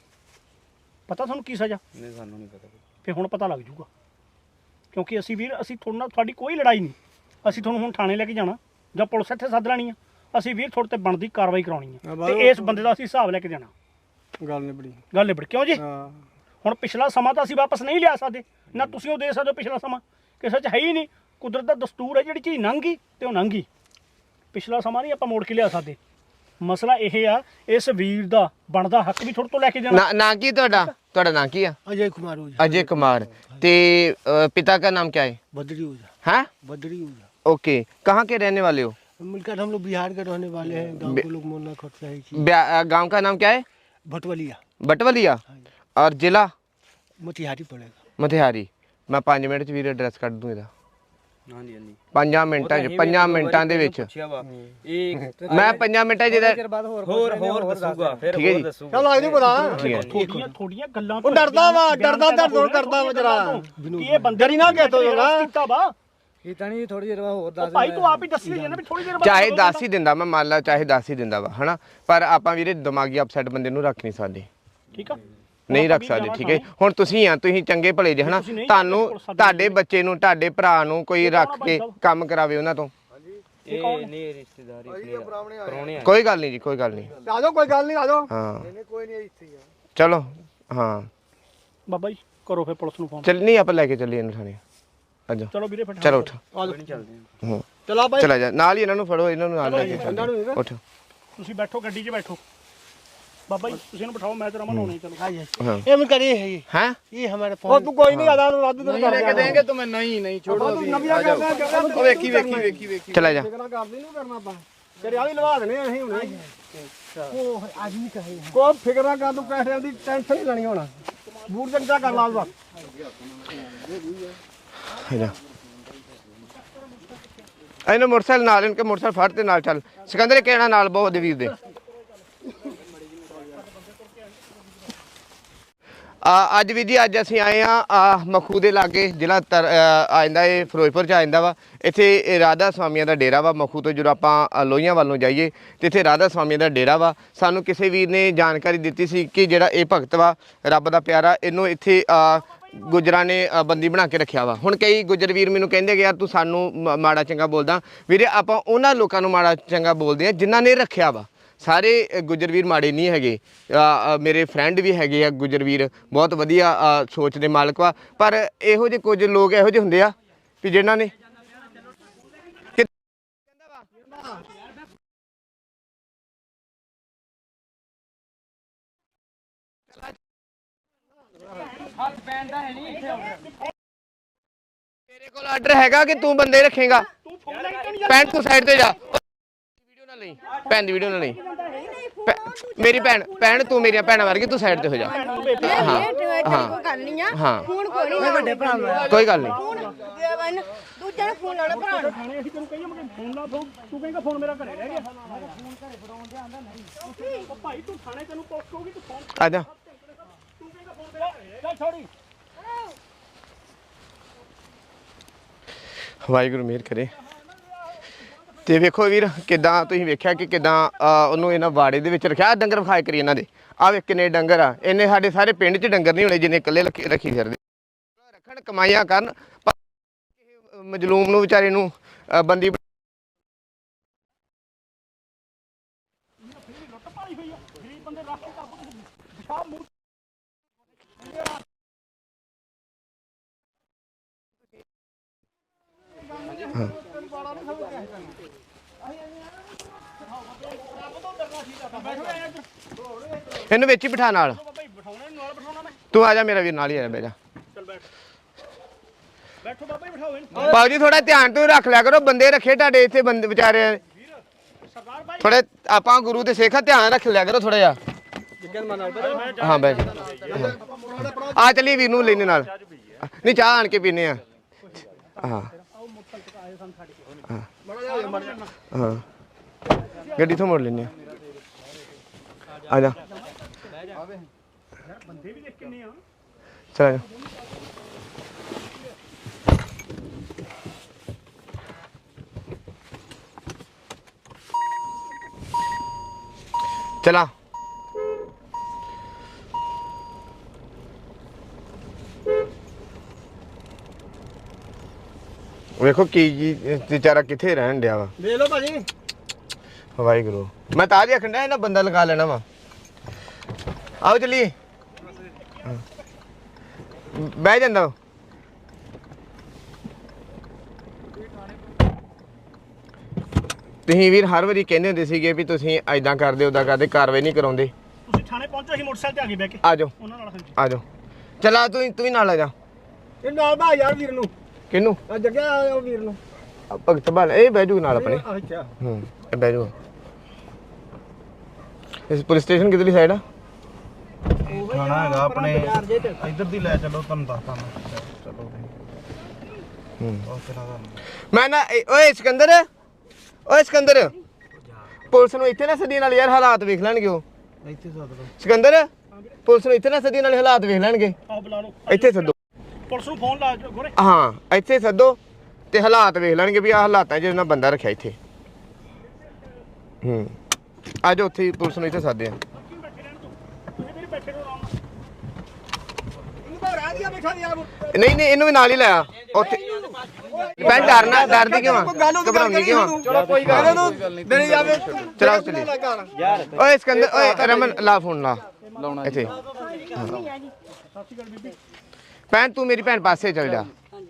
Speaker 2: ਪਤਾ ਤੁਹਾਨੂੰ ਕੀ ਸਜ਼ਾ
Speaker 4: ਨਹੀਂ ਸਾਨੂੰ ਨਹੀਂ ਪਤਾ
Speaker 2: ਫਿਰ ਹੁਣ ਪਤਾ ਲੱਗ ਜੂਗਾ ਕਿਉਂਕਿ ਅਸੀਂ ਵੀਰ ਅਸੀਂ ਤੁਹਾਡੇ ਨਾਲ ਤੁਹਾਡੀ ਕੋਈ ਲੜਾਈ ਨਹੀਂ ਅਸੀਂ ਤੁਹਾਨੂੰ ਹੁਣ ਥਾਣੇ ਲੈ ਕੇ ਜਾਣਾ ਜਾਂ ਪੁਲਿਸ ਇੱਥੇ ਸੱਦ ਲੈਣੀ ਆ ਅਸੀਂ ਵੀਰ ਤੁਹਾਡੇ ਤੇ ਬਣਦੀ ਕਾਰਵਾਈ ਕਰਾਉਣੀ ਆ ਤੇ ਇਸ ਬੰਦੇ ਦਾ ਅਸੀਂ ਹਿਸਾਬ ਲੈ ਕੇ ਜਾਣਾ
Speaker 3: ਗੱਲ ਨਿਬੜੀ
Speaker 2: ਗੱਲ ਨਿਬੜ ਕਿਉਂ ਜੀ
Speaker 3: ਹਾਂ
Speaker 2: ਹੁਣ ਪਿਛਲਾ ਸਮਾਂ ਤਾਂ ਅਸੀਂ ਵਾਪਸ ਨਹੀਂ ਲਿਆ ਸਕਦੇ ਨਾ ਤੁਸੀਂ ਉਹ ਦੇ ਸਕਦੇ ਹੋ ਪਿਛਲਾ ਸਮਾਂ ਕਿਸੇ 'ਚ ਹੈ ਹੀ ਨਹੀਂ ਕੁਦਰਤ ਦਾ ਦਸਤੂਰ ਹੈ ਜਿਹੜੀ ਚੀਜ਼ ਲੰਘ ਗਈ ਤੇ ਉਹ ਲੰਘ ਗਈ ਪਿਛਲਾ ਸਮਾਂ ਨਹੀਂ ਆਪਾਂ ਮੋੜ ਕੇ ਲਿਆ ਸਕਦੇ ਮਸਲਾ ਇਹ ਆ ਇਸ ਵੀਰ ਦਾ ਬਣਦਾ ਹੱਕ ਵੀ ਤੁਹਾਡੇ ਤੋਂ ਲੈ ਕੇ ਜਾਣਾ
Speaker 1: ਨਾ ਕੀ ਤੁਹਾਡਾ ਨਾਂ ਕੀ ਆ
Speaker 3: अजय कुमार ओझा
Speaker 1: अजय कुमार ते पिता का नाम क्या है
Speaker 3: बद्री ओझा
Speaker 1: हैं
Speaker 3: बद्री ओझा
Speaker 1: ओके कहाँ के रहने वाले हो
Speaker 3: मिलकर हम लोग बिहार के रहने वाले हैं गांव के लोग मोना खट से ही
Speaker 1: गांव का नाम क्या है
Speaker 3: भटवलिया
Speaker 1: बटवलिया और जिला
Speaker 3: मोतिहारी पड़ेगा
Speaker 1: मोतिहारी मैं 5 मिनट च ਵੀਰੇ ਐਡਰੈਸ ਕੱਢ ਦੂੰ ਇਹਦਾ
Speaker 4: ਹਾਂਜੀ ਹਾਂਜੀ
Speaker 1: 5 ਮਿੰਟਾਂ ਚ 5 ਮਿੰਟਾਂ ਦੇ ਵਿੱਚ
Speaker 4: ਇਹ
Speaker 1: ਮੈਂ 5 ਮਿੰਟਾਂ ਚ ਇਹਦਾ
Speaker 4: ਹੋਰ ਦੱਸੂਗਾ ਫਿਰ
Speaker 1: ਠੀਕ ਹੈ
Speaker 4: ਹੋਰ
Speaker 1: ਜੀ।
Speaker 4: ਦੱਸੂਗਾ
Speaker 3: चल आज नहीं पता
Speaker 2: ਥੋੜੀਆਂ ਗੱਲਾਂ
Speaker 3: ਉਹ ਡਰਦਾ ਵਾ ਡਰਦਾ ਦਰਦ ਕਰਦਾ ਵਾ ਜਰਾ
Speaker 2: ਕਿ ਇਹ ਬੰਦੇ
Speaker 3: ਡਰੀ ਨਾ ਕਹਿ ਤੋ ਜਰਾ
Speaker 2: ਕੀਤਾ ਵਾ
Speaker 5: ਇਹ ਤਾਂ ਨਹੀਂ ਥੋੜੀ ਦੇਰ ਬਾਅਦ ਹੋਰ ਦੱਸ
Speaker 2: ਭਾਈ ਤੂੰ ਆਪ ਹੀ ਦੱਸੀ ਜਾਣਾ ਵੀ ਥੋੜੀ ਦੇਰ ਬਾਅਦ
Speaker 1: ਚਾਹੇ 10 ਹੀ ਦਿੰਦਾ ਮੈਂ ਮੰਨ ਲਾ ਚਾਹੇ 10 ਹੀ ਦਿੰਦਾ ਵਾ ਹਨਾ ਪਰ ਆਪਾਂ ਵੀਰੇ ਦਿਮਾਗੀ ਅਪਸੈਟ ਬੰਦੇ ਨੂੰ ਰੱਖ ਨਹੀਂ ਸਕਦੇ
Speaker 2: ਠੀਕ ਆ
Speaker 1: ਨਹੀਂ ਰੱਖ ਸਕਦੇ ਠੀਕ ਹੈ ਹੁਣ ਤੁਸੀਂ ਆ ਤੁਸੀਂ ਚੰਗੇ ਭਲੇ ਜੇ ਹਨਾ ਤੁਹਾਨੂੰ ਤੁਹਾਡੇ ਬੱਚੇ ਨੂੰ ਤੁਹਾਡੇ ਭਰਾ ਨੂੰ ਕੋਈ ਰੱਖ ਕੇ ਕੰਮ ਕਰਾਵੇ ਉਹਨਾਂ ਤੋਂ
Speaker 4: ਇਹ ਨਹੀਂ ਰਿਸ਼ਤੇਦਾਰੀ ਪਰੌਣੇ ਆ
Speaker 1: ਕੋਈ ਗੱਲ ਨਹੀਂ ਜੀ ਕੋਈ ਗੱਲ ਨਹੀਂ
Speaker 3: ਆ ਜਾਓ ਕੋਈ ਗੱਲ ਨਹੀਂ ਆ ਜਾਓ
Speaker 1: ਹਾਂ
Speaker 3: ਕੋਈ ਨਹੀਂ ਇੱਥੇ
Speaker 1: ਚਲੋ ਹਾਂ
Speaker 2: ਬਾਬਾ ਜੀ ਕਰੋ ਫਿਰ ਪੁਲਿਸ ਨੂੰ ਫੋਨ
Speaker 1: ਚੱਲ ਨਹੀਂ ਆਪਾਂ ਲੈ ਕੇ ਚੱਲੀਏ ਇਹਨੂੰ ਥਾਣੇ ਆਜੋ
Speaker 2: ਚਲੋ ਵੀਰੇ ਫਿਰ
Speaker 1: ਚਲੋ ਉੱਠ
Speaker 4: ਚੱਲਦੇ
Speaker 1: ਹਾਂ
Speaker 3: ਚਲਾ ਬਾਈ
Speaker 1: ਚਲਾ ਜਾ ਨਾਲ ਹੀ ਇਹਨਾਂ ਨੂੰ ਫੜੋ ਇਹਨਾਂ ਨੂੰ ਨਾਲ ਲੈ ਕੇ ਚੱਲੋ ਉੱਠ
Speaker 2: ਤੁਸੀਂ ਬੈਠੋ ਗੱਡੀ 'ਚ ਬੈਠੋ ਬਾਬਾ ਜੀ ਤੁਸੀਂ ਇਹਨੂੰ ਬਿਠਾਓ ਮੈਂ ਤੇ ਰਮਨ ਹੋਣੇ ਚਲੋ
Speaker 1: ਹਾਂ
Speaker 3: ये मिलकर ये है
Speaker 1: हैं
Speaker 3: ये हमारे फोन तू कोई नहीं आधा रात दिन कर
Speaker 1: देंगे तुम्हें नहीं छोड़ो ਵੇਖੀ ਚਲਾ ਜਾ
Speaker 3: करदी नहीं करना पा तेरे आ भी लवा देने ਅਸੀਂ ਹੁਣੇ ਉਹ ਆਦਮੀ ਕਹੇ ਕੋ ਫਿਕਰ ਨਾ ਕਰ ਤੂੰ ਪੈਸੇ ਦੀ ਟੈਨਸ਼ਨ ਨਹੀਂ ਲੈਣੀ ਹੁਣ ਬੂਟ ਚੰਗਾ ਕਰ ਲਾ ਬਸ
Speaker 1: ਇਹਨੂੰ ਮੋਟਰਸਾਈਕਲ ਨਾਲ ਇਨਕੇ ਮੋਟਰਸਾਈਕਲ ਫੜ ਤੇ ਨਾਲ ਚੱਲ ਸਿਕੰਦਰ ਕਹਿਣਾ ਨਾਲ ਬਹੁਤ ਵੀਰ ਦੇ ਅੱਜ ਵੀ ਜੀ ਅੱਜ ਅਸੀਂ ਆਏ ਆ ਮਖੂ ਦੇ ਲਾਗੇ ਜ਼ਿਲ੍ਹਾ ਆ ਜਾਂਦਾ ਇਹ ਫਿਰੋਜ਼ਪੁਰ ਚ ਆ ਜਾਂਦਾ ਵਾ ਇੱਥੇ ਰਾਧਾ ਸਵਾਮੀਆਂ ਦਾ ਡੇਰਾ ਵਾ ਮਖੂ ਤੋਂ ਜਦੋਂ ਆਪਾਂ ਲੋਹੀਆਂ ਵੱਲੋਂ ਜਾਈਏ ਤੇ ਇੱਥੇ ਰਾਧਾ ਸਵਾਮੀਆਂ ਦਾ ਡੇਰਾ ਵਾ ਸਾਨੂੰ ਕਿਸੇ ਵੀਰ ਨੇ ਜਾਣਕਾਰੀ ਦਿੱਤੀ ਸੀ ਕਿ ਜਿਹੜਾ ਇਹ ਭਗਤ ਵਾ ਰੱਬ ਦਾ ਪਿਆਰਾ ਇਹਨੂੰ ਇੱਥੇ ਗੁੱਜਰਾਂ ਨੇ ਬੰਦੀ ਬਣਾ ਕੇ ਰੱਖਿਆ ਵਾ। ਹੁਣ ਕਈ ਗੁੱਜਰ ਵੀਰ ਮੈਨੂੰ ਕਹਿੰਦੇ ਕਿ ਯਾਰ ਤੂੰ ਸਾਨੂੰ ਮਾੜਾ ਚੰਗਾ ਬੋਲਦਾ। ਵੀਰੇ ਆਪਾਂ ਉਹਨਾਂ ਲੋਕਾਂ ਨੂੰ ਮਾੜਾ ਚੰਗਾ ਬੋਲਦੇ ਆ ਜਿਨ੍ਹਾਂ ਨੇ ਰੱਖਿਆ ਵਾ। ਸਾਰੇ ਗੁੱਜਰ ਵੀਰ ਮਾੜੇ ਨਹੀਂ ਹੈਗੇ। ਮੇਰੇ ਫਰੈਂਡ ਵੀ ਹੈਗੇ ਆ ਗੁੱਜਰ ਵੀਰ, ਬਹੁਤ ਵਧੀਆ ਸੋਚ ਦੇ ਮਾਲਕ ਵਾ। ਪਰ ਇਹੋ ਜਿਹੇ ਕੁਝ ਲੋਕ ਇਹੋ ਜਿਹੇ ਹੁੰਦੇ ਆ ਵੀ ਜਿਨ੍ਹਾਂ ਨੇ ਤੇਰੇ ਕੋਲ ਆਰਡਰ ਹੈਗਾ ਕਿ ਤੂੰ ਬੰਦੇ ਰੱਖੇਗਾ? ਭੈਣ ਤੂੰ ਸਾਈਡ ਤੇ ਜਾ, ਵੀਡੀਓ ਨਾ ਲਈ, ਭੈਣ ਦੀ ਵੀਡੀਓ ਨਾ ਲਈ। ਮੇਰੀ ਭੈਣ ਤੂੰ ਮੇਰੀਆਂ ਭੈਣਾਂ ਵਰਗੀ, ਤੂੰ ਸਾਈਡ ਤੇ ਹੋ ਜਾ। ਹਾਂ ਕੋਈ ਗੱਲ ਨਹੀਂ।
Speaker 6: ਦੂਜੇ ਨੂੰ ਫੋਨ ਲਾਉਣਾ ਭਰਾ ਨੂੰ।
Speaker 2: ਥਾਣੇ ਅਸੀਂ ਤੈਨੂੰ ਕਹੀਏ ਮੈਂ ਫੋਨ ਲਾ ਫੋਨ, ਤੂੰ ਕਹੇਂਗਾ ਫੋਨ ਮੇਰਾ ਘਰੇ ਰਹਿ ਗਿਆ। ਉਹ ਭਾਈ ਤੂੰ ਥਾਣੇ ਤੈਨੂੰ ਪੁੱਛ ਕਹੂਗੀ ਤੂੰ ਫੋਨ
Speaker 1: ਆ ਜਾ।
Speaker 2: ਤੂੰ ਕਹੇਂਗਾ ਫੋਨ ਮੇਰਾ ਚੱਲ ਛੋੜੀ।
Speaker 1: ਵਾਹਿਗੁਰੂ ਮਿਹਰ ਕਰੇ। ਤੇ ਵੇਖੋ ਵੀਰ ਕਿਦਾਂ ਤੁਸੀਂ ਵੇਖਿਆ ਕਿ ਕਿਦਾਂ ਉਹਨੂੰ ਇਹਨਾਂ ਵਾੜੇ ਦੇ ਵਿੱਚ ਰੱਖਿਆ। ਡੰਗਰ ਵਿਖਾਏ ਕਰੀ ਇਹਨਾਂ ਦੇ, ਆ ਵੇਖ ਕਿੰਨੇ ਡੰਗਰ ਆ। ਇਹਨੇ ਸਾਡੇ ਸਾਰੇ ਪਿੰਡ 'ਚ ਡੰਗਰ ਨਹੀਂ ਹੋਣੇ ਜਿੰਨੇ ਇਕੱਲੇ ਰੱਖੀ ਫਿਰਦੇ। ਰੱਖਣ ਕਮਾਈਆਂ ਕਰਨ, ਮਜਲੂਮ ਨੂੰ ਵਿਚਾਰੇ ਨੂੰ ਬੰਦੀ ਇਹਨੂੰ ਵਿੱਚ ਹੀ ਬਿਠਾ ਨਾਲ। ਤੂੰ ਆ ਜਾ ਮੇਰਾ ਵੀਰ, ਨਾਲ ਹੀ ਆ ਜਾ, ਬਹਿ ਜਾ।
Speaker 2: ਬੈਠੋ ਬਾਬਾ ਜੀ, ਬਿਠਾਓ ਇਹਨੂੰ।
Speaker 1: ਬਾਬੂ ਜੀ ਥੋੜਾ ਧਿਆਨ ਤੋਂ ਰੱਖ ਲਿਆ ਕਰੋ, ਬੰਦੇ ਰੱਖੇ ਤੁਹਾਡੇ ਇੱਥੇ ਬੰਦੇ ਵਿਚਾਰੇ ਥੋੜੇ। ਆਪਾਂ ਗੁਰੂ ਦੇ ਸਿੱਖ ਆ, ਧਿਆਨ ਰੱਖ ਲਿਆ ਕਰੋ ਥੋੜਾ ਜਿਹਾ। ਹਾਂ ਬਹਿ ਜਾ। ਆ ਚੱਲੀ ਵੀਰ ਨੂੰ ਲੈਣੇ ਨਾਲ। ਨਹੀਂ ਚਾਹ ਆਣ ਕੇ ਪੀਨੇ ਆ। ਹਾਂ ਹਾਂ ਗੱਡੀ ਤੋਂ ਮੋੜ ਲੈਨੇ ਆ ਜਾ।
Speaker 2: ਬੰਦੇ ਵੀ ਦੇਖ ਕਿੰਨੇ ਆ।
Speaker 1: ਚਲ ਆ ਜਾ। ਚਲਾ ਵੇਖੋ ਕੀ ਜੀ ਵਿਚਾਰਾ ਕਿੱਥੇ ਰਹਿਣ ਡਿਆ ਵਾ।
Speaker 3: ਵੇਖ ਲਓ ਭਾਜੀ।
Speaker 1: ਵਾਹਿਗੁਰੂ, ਮੈਂ ਤਾਂ ਆਖਣ ਡਿਆ ਇਹਨਾਂ ਬੰਦਾ ਲਗਾ ਲੈਣਾ ਵਾ। ਆਓ ਚਲੀਏ। ਬਹਿ ਜਾਂਦਾ। ਤੁਸੀਂ ਵੀਰ ਹਰ ਵਾਰੀ ਕਹਿੰਦੇ ਹੁੰਦੇ ਸੀਗੇ ਵੀ ਤੁਸੀਂ ਐਦਾਂ ਕਰਦੇ ਉਦਾਂ ਕਰਦੇ, ਕਾਰਵਾਈ ਨਹੀਂ ਕਰਾਉਂਦੇ।
Speaker 2: ਤੁਸੀਂ ਥਾਣੇ ਪਹੁੰਚੋ, ਅਸੀਂ ਮੋਟਰਸਾਈਕਲ ਤੇ ਆ ਗਏ ਬਹਿ ਕੇ।
Speaker 1: ਆ ਜਾਓ
Speaker 2: ਉਹਨਾਂ ਨਾਲ
Speaker 1: ਆ ਜਾਓ। ਚਲਾ ਤੂੰ ਵੀ ਨਾਲ ਆ ਜਾ।
Speaker 3: ਇਹ ਨਾਲ ਬਾ ਯਾਰ ਵੀਰ ਨੂੰ।
Speaker 1: ਕਿਹਨੂੰ?
Speaker 3: ਆ ਜੱਗਿਆ ਉਹ ਵੀਰ ਨੂੰ।
Speaker 1: ਭਗਤ ਬਾਲ ਇਹ ਬਹਿ ਜੂ ਨਾਲ ਆਪਣੇ।
Speaker 3: ਅੱਛਾ
Speaker 1: ਇਹ ਬਹਿ ਜੂ। ਇਸ ਪੁਲਿਸ ਸਟੇਸ਼ਨ ਕਿਧਰਲੀ ਸਾਈਡ ਆ?
Speaker 7: ਖਾਣਾ ਹੈਗਾ ਆਪਣੇ ਇੱਧਰ ਦੀ ਲੈ ਚਲੋ, ਤੁਹਾਨੂੰ ਦੱਸਦਾ ਮੈਂ। ਚਲੋ
Speaker 1: ਮੈਂ ਨਾ ਓਏ ਸਿਕੰਦਰ, ਓਏ ਸਿਕੰਦਰ, ਪੁਲਿਸ ਨੂੰ ਇੱਥੇ ਨਾ ਸੱਦੀ ਨਾਲ ਯਾਰ, ਹਾਲਾਤ ਵੇਖ ਲੈਣਗੇ ਉਹ।
Speaker 7: ਇੱਥੇ ਸੱਦ ਲਓ।
Speaker 1: ਸਿਕੰਦਰ, ਪੁਲਿਸ ਨੂੰ ਇੱਥੇ ਨਾ ਸੱਦੀ ਨਾਲ, ਹਾਲਾਤ ਵੇਖ ਲੈਣਗੇ।
Speaker 2: ਆਓ ਬੁਲਾ ਲਓ,
Speaker 1: ਇੱਥੇ ਸੱਦੋ।
Speaker 2: ਪੁਲਿਸ ਨੂੰ ਫੋਨ ਲਾ ਗੋਰੇ।
Speaker 1: ਹਾਂ ਇੱਥੇ ਸੱਦੋ ਤੇ ਹਾਲਾਤ ਵੇਖ ਲੈਣਗੇ ਵੀ ਆਹ ਹਾਲਾਤਾਂ 'ਚ ਇਹਨਾਂ ਬੰਦਾ ਰੱਖਿਆ ਇੱਥੇ। ਆ ਜਾਓ ਉੱਥੇ ਪੁਲਿਸ ਨੂੰ ਇੱਥੇ ਸਾਦੇ ਆ। ਨਹੀਂ ਨਹੀਂ ਇਹਨੂੰ ਵੀ ਨਾਲ ਹੀ ਲਾਇਆ ਉੱਥੇ। ਮੈਂ ਡਰਦੀ ਕਿਉਂ ਆ? ਘਬਰਾਉਣੀ ਕਿਉਂ ਆ?
Speaker 3: ਚਲੋ ਕੋਈ ਗੱਲ ਨਹੀਂ, ਦੇਣੀ ਜਾਵੇ।
Speaker 1: ਚਲਾਓ ਚਲੀ। ਓਏ ਸਿਕੰਦਰ, ਓਏ ਰਮਨ ਲਾ ਫੋਨ ਲਾ ਇੱਥੇ। ਭੈਣ ਤੂੰ ਮੇਰੀ ਭੈਣ ਪਾਸੇ ਚੱਲ ਜਾ।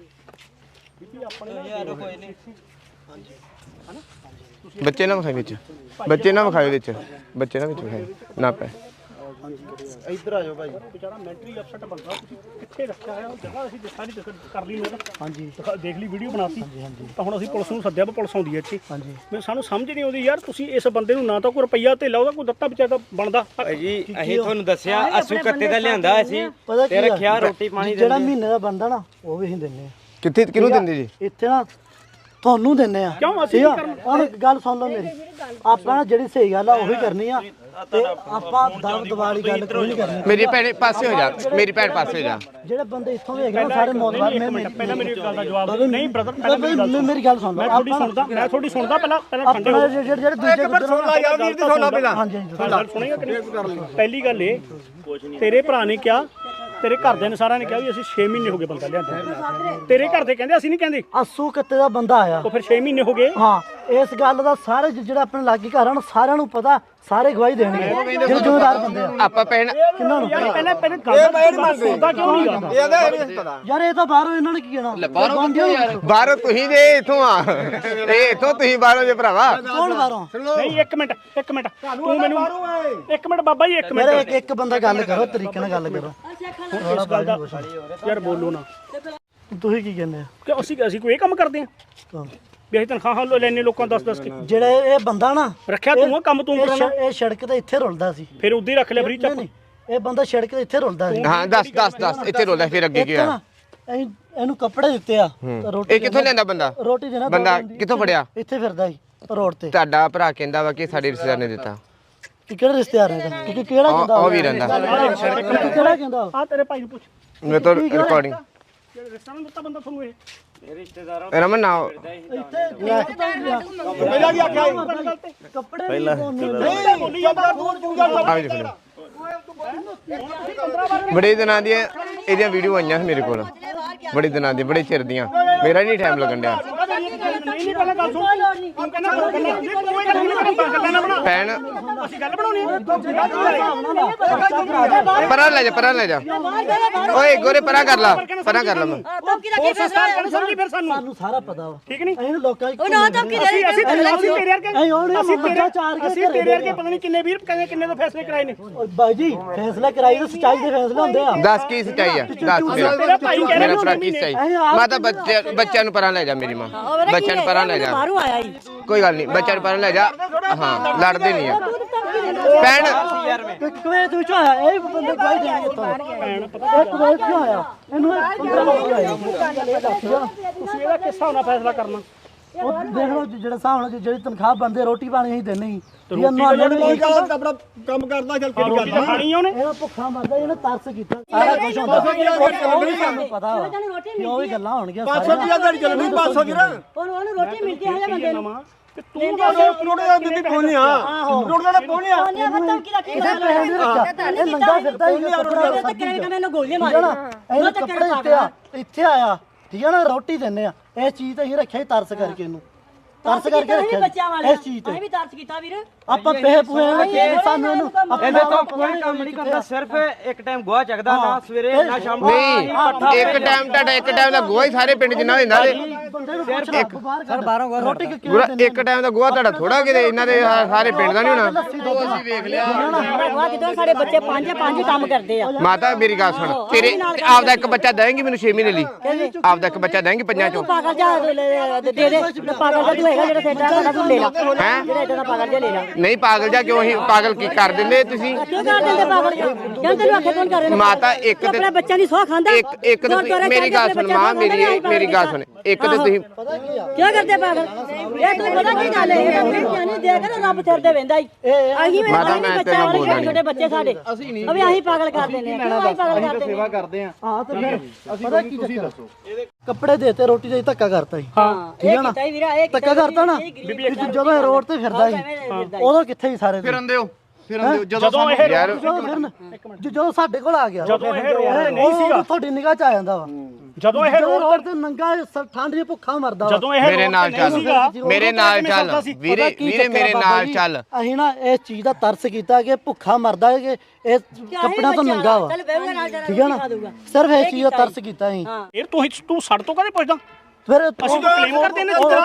Speaker 1: ਬੱਚੇ ਨਾ ਵਿਖਾਈ ਵਿੱਚ, ਬੱਚੇ ਨਾ ਵਿਖਾਏ ਵਿੱਚ, ਬੱਚੇ ਨਾ ਵਿੱਚ ਵਿਖਾਏ ਨਾ ਪੈ।
Speaker 7: ਇੱਧਰ ਆ ਜਾਓ ਭਾਈ।
Speaker 2: ਵਿਚਾਰਾ ਮੈਂਟਲੀ ਅਪਸੈਟ ਬੰਦਾ, ਤੁਸੀਂ ਕਿੱਥੇ ਰੱਖਿਆ ਹੈ ਉਹ ਜਗ੍ਹਾ। ਅਸੀਂ ਸਾਰੀ ਕਰ ਲਈ ਨੋਟ। ਹਾਂਜੀ ਦੇਖ ਲਈ, ਵੀਡੀਓ ਬਣਾਤੀ। ਤਾਂ ਹੁਣ ਅਸੀਂ ਪੁਲਿਸ ਨੂੰ ਸੱਦਿਆ, ਪੁਲਿਸ ਆਉਂਦੀ ਹੈ ਇੱਥੇ। ਹਾਂਜੀ ਮੈਂ ਸਾਨੂੰ ਸਮਝ ਨਹੀਂ ਆਉਂਦੀ ਯਾਰ, ਤੁਸੀਂ ਇਸ ਬੰਦੇ ਨੂੰ ਨਾ ਤਾਂ ਕੋਈ ਰੁਪਈਆ ਧੇਲਾ ਉਹਦਾ ਕੋਈ ਦਿੱਤਾ ਵਿਚਾਰਾ ਬਣਦਾ
Speaker 4: ਜੀ। ਅਸੀਂ ਤੁਹਾਨੂੰ ਦੱਸਿਆ ਅਸੂ ਕੱਤੇ ਦਾ ਲਿਆਂਦਾ ਅਸੀਂ ਤੇ ਰੱਖਿਆ, ਰੋਟੀ ਪਾਣੀ
Speaker 5: ਜਿਹੜਾ ਮਹੀਨੇ ਦਾ ਬੰਦਾ ਨਾ ਉਹ ਵੀ ਅਸੀਂ ਦਿੰਨੇ ਆ।
Speaker 1: ਕਿੱਥੇ ਕਿਹਨੂੰ ਦਿੰਦੇ ਜੀ?
Speaker 5: ਇੱਥੇ ਨਾ ਤੁਹਾਨੂੰ ਦਿੰਨੇ ਆ।
Speaker 2: ਕਿਉਂ ਅਸੀਂ
Speaker 5: ਠੀਕ ਆ? ਹੁਣ ਗੱਲ ਸੁਣ ਲਓ ਮੇਰੀ। ਆਪਾਂ ਨਾ ਜਿਹੜੀ ਸਹੀ ਗੱਲ ਆ ਉਹੀ ਕਰਨੀ ਆ, ਤੇ ਆਪਾਂ ਦਬ ਦਵਾਲੀ ਗੱਲ ਕੋਈ ਨਹੀਂ ਕਰਨੀ।
Speaker 1: ਮੇਰੀ ਭੈਣ ਪਾਸੇ ਹੋ ਜਾ, ਮੇਰੀ ਭੈਣ ਪਾਸੇ ਹੋ ਜਾ।
Speaker 5: ਜਿਹੜੇ ਬੰਦੇ ਇੱਥੋਂ ਵੀ ਹੈਗੇ ਨਾ ਸਾਰੇ ਮੌਤਬਾਰ।
Speaker 2: ਪਹਿਲਾਂ ਮੇਰੀ ਗੱਲ ਦਾ ਜਵਾਬ ਨਹੀਂ ਬ੍ਰਦਰ, ਪਹਿਲਾਂ
Speaker 5: ਮੇਰੀ ਗੱਲ ਸੁਣ ਲਓ।
Speaker 2: ਮੈਂ ਤੁਹਾਡੀ ਸੁਣਦਾ, ਮੈਂ ਤੁਹਾਡੀ ਸੁਣਦਾ। ਪਹਿਲਾਂ ਠੰਡੇ ਹੋ।
Speaker 5: ਜਿਹੜੇ ਦੂਜੇ ਗੁੱਜਰ
Speaker 3: ਸੁਣ ਲਾ ਯਾਰ ਵੀਰ ਦੀ, ਸੁਣ ਲਾ ਪਹਿਲਾਂ।
Speaker 5: ਹਾਂਜੀ
Speaker 2: ਗੱਲ ਸੁਣੇਗਾ ਕਿ ਨਹੀਂ? ਪਹਿਲੀ ਗੱਲ ਇਹ, ਤੇਰੇ ਭਰਾ ਨੇ ਕਿਹਾ ਤੇਰੇ ਘਰਦਿਆਂ ਨੇ ਸਾਰਿਆਂ ਨੇ ਕਿਹਾ ਵੀ ਅਸੀਂ 6 ਮਹੀਨੇ ਹੋ ਗਏ ਬੰਦਾ ਲਿਆਂਦਾ। ਤੇਰੇ ਘਰ ਦੇ ਕਹਿੰਦੇ ਅਸੀਂ ਨਹੀਂ ਕਹਿੰਦੇ।
Speaker 5: ਅਸੂ ਕਿੱਤੇ ਦਾ ਬੰਦਾ ਆਇਆ।
Speaker 2: ਉਹ ਫਿਰ 6 ਮਹੀਨੇ ਹੋ ਗਏ।
Speaker 5: ਹਾਂ ਇਸ ਗੱਲ ਦਾ ਸਾਰੇ ਜਿਹੜਾ ਆਪਣੇ ਲਾਗੇ ਘਰ ਹਨ ਸਾਰਿਆਂ ਨੂੰ ਪਤਾ, ਸਾਰੇ ਗਵਾਹੀ ਦੇਣਗੇ ਜਿਹੜੇ ਜ਼ਿੰਮੇਦਾਰ ਬੰਦੇ ਆ।
Speaker 1: ਆਪਾਂ ਭੈਣ
Speaker 5: ਕਿੰਨਾਂ ਨੂੰ
Speaker 2: ਯਾਰ ਪਹਿਲਾਂ ਗੱਲ ਸੁਣਦਾ ਕਿਉਂ ਨਹੀਂ ਗਾ?
Speaker 3: ਇਹਦਾ ਇਹ ਨਹੀਂ ਪਤਾ
Speaker 5: ਯਾਰ ਇਹ ਤਾਂ ਬਾਹਰੋਂ ਇਹਨਾਂ ਨੇ ਕੀ ਕਹਿਣਾ?
Speaker 1: ਬਾਹਰੋਂ ਤੁਸੀਂ ਜੇ ਇਥੋਂ ਆ, ਇਹ ਇਥੋਂ ਤੁਸੀਂ ਬਾਹਰੋਂ ਜੇ ਭਰਾਵਾ।
Speaker 5: ਕੌਣ ਬਾਹਰੋਂ?
Speaker 2: ਨਹੀਂ ਇੱਕ ਮਿੰਟ ਤੂੰ ਮੈਨੂੰ ਇੱਕ ਮਿੰਟ ਬਾਬਾ ਜੀ ਇੱਕ ਮਿੰਟ
Speaker 5: ਮੇਰੇ ਇੱਕ ਬੰਦਾ ਗੱਲ ਕਰੋ, ਤਰੀਕੇ ਨਾਲ ਗੱਲ ਕਰੋ।
Speaker 2: ਇਸ ਗੱਲ ਦਾ ਯਾਰ ਬੋਲੋ ਨਾ।
Speaker 5: ਤੁਸੀਂ ਕੀ ਕਹਿੰਦੇ ਆ?
Speaker 2: ਕਿ ਅਸੀਂ ਕੋਈ ਇਹ ਕੰਮ ਕਰਦੇ ਆ ਵੀ ਅਸੀਂ ਤਨਖਾਹਾਂ ਲੈਣੇ ਲੋਕਾਂ 10-10 ਕੇ?
Speaker 5: ਜਿਹੜਾ ਇਹ ਬੰਦਾ ਨਾ
Speaker 2: ਰੱਖਿਆ ਤੂੰ ਕੰਮ ਤੂੰ ਕਰਨਾ।
Speaker 5: ਇਹ ਸੜਕ ਤੇ ਇੱਥੇ ਰੁਲਦਾ ਸੀ,
Speaker 2: ਫਿਰ ਉਦੋਂ ਹੀ ਰੱਖ ਲਿਆ ਫਰੀ ਚੱਪ।
Speaker 5: ਨਹੀਂ ਇਹ ਬੰਦਾ ਸੜਕ ਤੇ ਇੱਥੇ ਰੁਲਦਾ ਸੀ।
Speaker 1: ਹਾਂ ਦੱਸ ਇੱਥੇ ਰੋਲਾ ਫਿਰ ਅੱਗੇ ਕੀ ਆ?
Speaker 5: ਇਹਨੂੰ ਕੱਪੜੇ ਦਿੱਤੇ ਆ,
Speaker 1: ਇਹ ਕਿੱਥੋਂ ਲੈਂਦਾ ਬੰਦਾ?
Speaker 5: ਰੋਟੀ ਦੇਣਾ
Speaker 1: ਬੰਦਾ ਕਿੱਥੋਂ ਫੜਿਆ?
Speaker 5: ਇੱਥੇ ਫਿਰਦਾ ਸੀ ਰੋਡ ਤੇ।
Speaker 1: ਤੁਹਾਡਾ ਭਰਾ ਕਹਿੰਦਾ ਵਾ ਕਿ ਸਾਡੇ ਰਿਸ਼ਤੇਦਾਰ ਨੇ ਦਿੱਤਾ।
Speaker 5: ਕਿ ਕਿਹੜਾ ਰਿਸ਼ਤੇਦਾਰ ਹੈ ਇਹਦਾ? ਕਿ ਕਿਹੜਾ ਕਹਿੰਦਾ?
Speaker 1: ਉਹ ਵੀ ਰਹਿੰਦਾ।
Speaker 5: ਕਿਹੜਾ ਕਹਿੰਦਾ?
Speaker 2: ਆ ਤੇਰੇ ਭਾਈ ਨੂੰ ਪੁੱਛ
Speaker 1: ਮੈਂ ਤਾਂ ਰਿਕਾਰਡਿੰਗ
Speaker 2: ਰਿਸ਼ਤਾ ਨਹੀਂ ਦਿੱਤਾ ਬੰਦਾ ਤੁਹਾਨੂੰ ਇਹ।
Speaker 1: ਰਮਨ ਨਾ
Speaker 3: ਪਹਿਲਾਂ ਕੀ ਆਖਿਆ
Speaker 5: ਕੱਪੜੇ ਪਹਿਲਾਂ
Speaker 3: ਬੋਲੀ ਜਾਂਦਾ ਤੂੰ ਜਾ
Speaker 1: ਆ ਵੀ ਦੇਖ ਬੜੇ ਦਿਨਾਂ ਦੀਆਂ ਇਹਦੀਆਂ ਵੀਡੀਓ ਆਈਆਂ ਸੀ ਮੇਰੇ ਕੋਲ, ਬੜੇ ਦਿਨਾਂ ਦੀ, ਬੜੇ ਚਿਰ ਦੀਆਂ। ਮੇਰਾ ਨਹੀਂ ਟਾਈਮ ਲੱਗਣ ਡਿਆ।
Speaker 2: ਨਹੀਂ ਪਹਿਲਾਂ ਗੱਲ ਸੁਣ। ਤੂੰ ਕਹਿੰਦਾ ਕੋਈ ਗੱਲ ਨਹੀਂ ਬਣਾ।
Speaker 1: ਭੈਣ
Speaker 2: ਅਸੀਂ ਗੱਲ ਬਣਾਉਣੀ
Speaker 1: ਪਰਾਂ ਲੈ ਜਾ ਓਏ ਗੋਰੇ ਪਰਾਂ ਕਰ ਲਾ ਮੈਂ।
Speaker 2: ਹੋਰ ਸੰਸਕਾਰ ਕਰਨ ਸਮਝੀ ਫਿਰ
Speaker 5: ਸਾਨੂੰ ਸਾਰਾ ਪਤਾ ਵਾ।
Speaker 2: ਠੀਕ ਨਹੀਂ?
Speaker 5: ਇਹਨੂੰ ਲੋਕਾਂ ਦੀ
Speaker 6: ਉਹ ਨਾ ਧਮਕੀ ਦੇ
Speaker 2: ਅਸੀਂ ਤੇਰੇ ਵਰਗੇ
Speaker 5: ਅਸੀਂ
Speaker 2: ਤੇਰੇ ਵਰਗੇ ਪਤਾ ਨਹੀਂ ਕਿੰਨੇ ਵੀਰ ਕਿੰਨੇ ਤੋਂ ਫੈਸਲੇ ਕਰਾਏ ਨੇ।
Speaker 5: ਬਾਈ ਜੀ ਫੈਸਲਾ ਕਰਾਈ ਤਾਂ ਸੱਚਾਈ ਦੇ ਫੈਸਲੇ ਹੁੰਦੇ ਆ।
Speaker 1: ਦੱਸ ਕੀ ਸੱਚਾਈ ਆ? ਦੱਸ ਮੇਰਾ ਭਰਾ ਕੀ ਸੱਚਾਈ? ਮੈਂ ਤਾਂ ਬੱਚਿਆਂ ਨੂੰ ਪਰਾਂ ਲੈ ਜਾ, ਮੇਰੀ ਮਾਂ ਬੱਚਿਆਂ ਨੂੰ ਪਰਾਂ ਲੈ ਜਾ।
Speaker 6: ਬਾਹਰੋਂ ਆਇਆ ਹੀ
Speaker 1: ਕੋਈ ਗੱਲ ਨਹੀਂ, ਬੱਚਿਆਂ ਨੂੰ ਪਰਾਂ ਲੈ ਜਾ। ਹਾਂ ਲੜਦੇ ਨਹੀਂ ਆ ਭੈਣ।
Speaker 5: ਕੁਵੈਤ ਵਿੱਚੋਂ ਆਇਆ ਇਹ ਬੰਦੇ ਗਵਾਹੀ ਦੇਣਗੇ ਤੁਹਾਨੂੰ। ਇਹ ਕੁਵੈਤ ਕਿਉਂ ਆਇਆ? ਇਹਨੂੰ 15 ਲੱਖ ਆਇਆ।
Speaker 2: ਤੁਸੀਂ ਇਹਦਾ ਕਿਸ ਹਿਸਾਬ ਨਾਲ ਫੈਸਲਾ ਕਰਨਾ?
Speaker 5: ਉਹ ਦੇਖ ਲਓ ਜਿਹੜਾ ਹਿਸਾਬ ਨਾਲ ਜਿਹੜੀ ਤਨਖਾਹ ਬੰਦੇ ਰੋਟੀ ਪਾਣੀ ਅਸੀਂ ਦਿੰਦੇ ਸੀ।
Speaker 3: ਆਪਣਾ ਕੰਮ ਕਰਦਾ ਚੱਲ ਕਿਹੜੀ
Speaker 2: ਰੋਟੀ ਤਾਂ ਖਾਣੀ ਆ ਉਹਨੇ।
Speaker 5: ਇਹ ਭੁੱਖਾ ਮਰਦਾ ਇਹਨੇ ਤਰਸ ਕੀਤਾ। ਸਾਰਾ ਕੁਝ ਹੁੰਦਾ ਉਹ ਵੀ ਸਾਨੂੰ ਪਤਾ ਵਾ ਕਿ ਉਹ ਵੀ ਗੱਲਾਂ ਹੋਣਗੀਆਂ।
Speaker 3: 500 ਦੀ ਦਿਹਾੜੀ ਚੱਲਣੀ 500 ਦੀ ਨਾ
Speaker 6: ਉਹਨੂੰ ਰੋਟੀ ਮਿਲਦੀ ਹੈ ਬੰਦੇ ਨੂੰ।
Speaker 3: ਤੂੰ ਰੋੜੇ ਦਾ ਦਿੱਤੀ ਪਹੁੰਚਿਆ ਰੋੜੇ ਦਾ ਪਹੁੰਚਿਆ
Speaker 6: ਧਮਕੀ ਦਾ ਕੀ
Speaker 5: ਇਹਦੇ ਪੈਸੇ ਨਹੀਂ ਰੱਖਿਆ। ਇਹ ਨੰਗਾ ਫਿਰਦਾ ਹੀ
Speaker 6: ਮੈਨੂੰ ਗੋਲੀਆਂ
Speaker 5: ਠੀਕ ਹੈ ਨਾ? ਇਹਨੂੰ ਕੱਪੜੇ ਦਿੱਤੇ ਆ, ਇੱਥੇ ਆਇਆ ਠੀਕ ਹੈ ਨਾ? ਰੋਟੀ ਦਿੰਨੇ ਆ। ਇਹ ਚੀਜ਼ ਤਾਂ ਅਸੀਂ ਰੱਖਿਆ ਹੀ ਤਰਸ ਕਰਕੇ, ਇਹਨੂੰ ਤਰਸ ਕਰਕੇ ਰੱਖਿਆ
Speaker 6: ਬੱਚਿਆਂ ਵਾਲੇ
Speaker 5: ਇਸ ਚੀਜ਼
Speaker 6: ਅਸੀਂ
Speaker 5: ਤੇ।
Speaker 6: ਵੀ ਤਰਸ ਕੀਤਾ ਵੀਰ।
Speaker 5: ਆਪਾਂ ਪੈਸੇ ਪੂਏ ਰੱਖੇ ਸਾਨੂੰ ਇਹਨੂੰ
Speaker 4: ਇਹਦੇ ਤੋਂ ਕੋਈ ਕੰਮ ਨਹੀਂ ਕਰਦਾ, ਸਿਰਫ ਇੱਕ ਟਾਈਮ ਗੋਹਾ ਚੱਕਦਾ, ਨਾ ਸਵੇਰੇ ਨਾ ਸ਼ਾਮ ਨੂੰ।
Speaker 1: ਨਹੀਂ ਇੱਕ ਟਾਈਮ ਦਾ ਗੋਹਾ ਹੀ ਸਾਰੇ ਪਿੰਡ ਜਿੰਨਾ ਹੁੰਦਾ
Speaker 5: ਬੰਦੇ ਨੂੰ ਪੁੱਛ ਲੈ ਬਾਹਰ ਬਾਹਰੋਂ ਰੋਟੀ ਕਿ
Speaker 1: ਗੁਰਾ ਇੱਕ ਟਾਈਮ ਦਾ ਗੋਹਾ ਤੁਹਾਡਾ ਥੋੜਾ ਕਿਤੇ ਇਹਨਾਂ ਦੇ ਸਾਰੇ ਪਿੰਡ ਦਾ ਨਹੀਂ ਹੋਣਾ।
Speaker 5: ਅਸੀਂ ਵੇਖ ਲਿਆ
Speaker 6: ਵਾਹ ਕਿਦੋਂ ਸਾਡੇ ਬੱਚੇ ਪੰਜ ਕੰਮ ਕਰਦੇ ਆ।
Speaker 1: ਮਾਤਾ ਮੇਰੀ ਗੱਲ ਸੁਣ, ਤੇਰੇ ਆਪਦਾ ਇੱਕ ਬੱਚਾ ਦੇਂਗੀ ਮੈਨੂੰ 6 ਮਹੀਨੇ ਲਈ? ਆਪਦਾ ਇੱਕ ਬੱਚਾ ਦੇਂਗੀ ਪੰਜਾਂ ਚੋਂ?
Speaker 6: ਪਾਗਲ ਜਾ ਦੇ ਪਾਗਲ ਜਾ ਤੂੰ ਹੈਗਾ ਜਿਹੜਾ ਸੇਟਾ ਸਾਡਾ ਤੂੰ ਲੈ ਲਾ।
Speaker 1: ਹੈਂ?
Speaker 6: ਜਿਹੜਾ ਇਦਾਂ ਦਾ ਪਾਗਲ ਜਾ ਲੈ ਲਾ।
Speaker 1: ਨਹੀਂ ਪਾਗਲ ਜਾ ਕਿਉਂ? ਅਸੀਂ ਪਾਗਲ ਕੀ ਕਰ ਦਿੰਦੇ ਤੁਸੀਂ?
Speaker 6: ਕਿਉਂ ਕਰ ਦਿੰਦੇ ਪਾਗਲ ਜਾ? ਜਾਂ ਤੈਨੂੰ ਆਖੇ ਕੌਣ ਕਰ ਰਿਹਾ?
Speaker 1: ਮਾਤਾ ਇੱਕ ਤੇ
Speaker 6: ਆਪਣੇ ਬੱਚਿਆਂ ਦੀ ਸੋਹ ਖਾਂਦਾ।
Speaker 1: ਇੱਕ ਤੇ ਮੇਰੀ ਗੱਲ ਸੁਣ ਮਾਂ, ਮੇਰੀ ਗੱਲ ਸੁਣ। ਇੱਕ ਤੇ ਤੁਸੀਂ
Speaker 6: ਕਿਉਂ ਕਰਦੇ ਪਾਗਲ? ਇਹ ਤੂੰ ਪਤਾ ਕੀ ਗੱਲ ਹੈ? ਇਹ ਨਹੀਂ ਦੇਖ ਨਾ ਰੱਬ ਤੇਰੇ ਤੇ ਵੇਂਦਾ ਹੀ। ਅਸੀਂ ਵੀ
Speaker 1: ਮਾਤਾ ਮੈਂ ਤੇਰੇ ਨਾਲ ਬੋਲਦਾ ਨਹੀਂ।
Speaker 6: ਛੋਟੇ ਬੱਚੇ ਸਾਡੇ ਅਬੇ ਅਸੀਂ ਪਾਗਲ ਕਰ ਦਿੰਦੇ ਆ। ਅਸੀਂ ਪਾਗਲ ਕਰਦੇ
Speaker 7: ਸੇਵਾ ਕਰਦੇ ਆ।
Speaker 5: ਹਾਂ ਤੇ ਫਿਰ ਪਤਾ ਕੀ ਤੁਸੀਂ ਦੱਸੋ? ਕੱਪੜੇ ਦੇਤੇ, ਰੋਟੀ ਦੇ ਧੱਕਾ ਕਰਤਾ ਸੀ।
Speaker 6: ਹਾਂ ਇਹ ਕੀਤਾ ਹੀ ਵੀਰਾ, ਇਹ
Speaker 5: ਧੱਕਾ ਕਰਤਾ ਨਾ। ਜਦੋਂ ਇਹ ਰੋਡ ਤੇ ਫਿਰਦਾ ਸੀ ਉਦੋਂ ਕਿੱਥੇ ਸੀ ਸਾਰੇ?
Speaker 7: ਫਿਰੰਦੇ ਹੋ
Speaker 2: ਜਦੋਂ ਇਹ
Speaker 1: ਯਾਰ
Speaker 5: ਜਦੋਂ ਸਾਡੇ ਕੋਲ ਆ ਗਿਆ,
Speaker 2: ਜਦੋਂ ਇਹ ਰੋਡ ਤੇ ਨਹੀਂ ਸੀਗਾ,
Speaker 5: ਤੁਹਾਡੀ ਨਿਗਾਹ ਚ ਆ ਜਾਂਦਾ ਵਾ।
Speaker 2: ਜਦੋਂ ਇਹ
Speaker 5: ਰੋਡ ਤੇ ਨੰਗਾ ਠੰਡ 'ਚ ਭੁੱਖਾ ਮਰਦਾ ਵਾ।
Speaker 2: ਜਦੋਂ ਇਹ
Speaker 1: ਮੇਰੇ ਨਾਲ ਚੱਲ, ਮੇਰੇ ਨਾਲ ਚੱਲ ਵੀਰੇ, ਵੀਰੇ ਮੇਰੇ ਨਾਲ ਚੱਲ।
Speaker 5: ਅਸੀਂ ਨਾ ਇਸ ਚੀਜ਼ ਦਾ ਤਰਸ ਕੀਤਾ ਕਿ ਭੁੱਖਾ ਮਰਦਾ ਹੈ ਕਿ ਇਹ ਕੱਪੜਿਆਂ ਤੋਂ ਨੰਗਾ ਵਾ। ਠੀਕ ਹੈ ਨਾ? ਸਿਰਫ ਇਸ ਚੀਜ਼ ਦਾ ਤਰਸ ਕੀਤਾ ਅਸੀਂ।
Speaker 2: ਇਹ ਤੂੰ ਸੜ ਤੋਂ ਕਦੇ ਪੁੱਛਦਾ?
Speaker 5: ਫਿਰ
Speaker 2: ਅਸੀਂ ਤਾਂ ਕਲੇਮ ਕਰਦੇ ਨੇ
Speaker 5: ਚੱਲ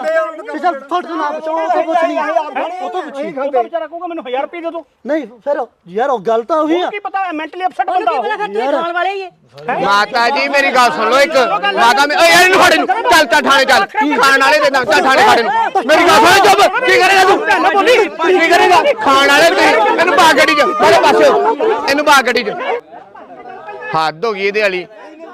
Speaker 5: ਤੁਹਾਡੇ ਨਾਲ ਬਚਾਓ, ਉਹ ਤੋਂ ਪੁੱਛ ਲਈ, ਉਹ ਤੋਂ ਪੁੱਛੀ।
Speaker 2: ਉਹ ਤਾਂ ਵਿਚਾਰਾ ਕਹੂਗਾ ਮੈਨੂੰ 1000 ਰੁਪਏ ਦੇ ਦਿਓ।
Speaker 5: ਨਹੀਂ ਫਿਰ ਯਾਰ ਉਹ ਗੱਲ ਤਾਂ ਉਹੀ ਆ।
Speaker 2: ਕੀ ਪਤਾ ਮੈਂਟਲੀ ਅਪਸੈਟ ਬੰਦਾ ਹੋ।
Speaker 6: ਖਾਣ ਵਾਲੇ ਹੀ
Speaker 1: ਮਾਤਾ ਜੀ ਮੇਰੀ ਗੱਲ ਸੁਣ ਲਓ ਇੱਕ। ਮਾਤਾ ਓਏ ਯਾਰ ਇਹਨੂੰ ਫੜ, ਇਹਨੂੰ ਚੱਲ ਥਾਣੇ ਚੱਲ। ਖਾਣ ਵਾਲੇ ਦੇ ਨਾਲ ਚੱਲ ਥਾਣੇ ਖੜੇ ਨੂੰ। ਮੇਰੀ ਗੱਲ ਸੁਣ ਚੁੱਪ। ਕੀ ਕਰੇਗਾ ਤੂੰ? ਕੀ ਕਰੇਗਾ? ਖਾਣ ਵਾਲੇ ਤੁਸੀਂ ਇਹਨੂੰ ਪਾ ਗੱਡੀ 'ਚ, ਮੇਰੇ ਪਾਸੇ ਇਹਨੂੰ ਪਾ ਗੱਡੀ 'ਚ। ਹੱਦ ਹੋ ਗਈ ਇਹਦੇ ਵਾਲੀ।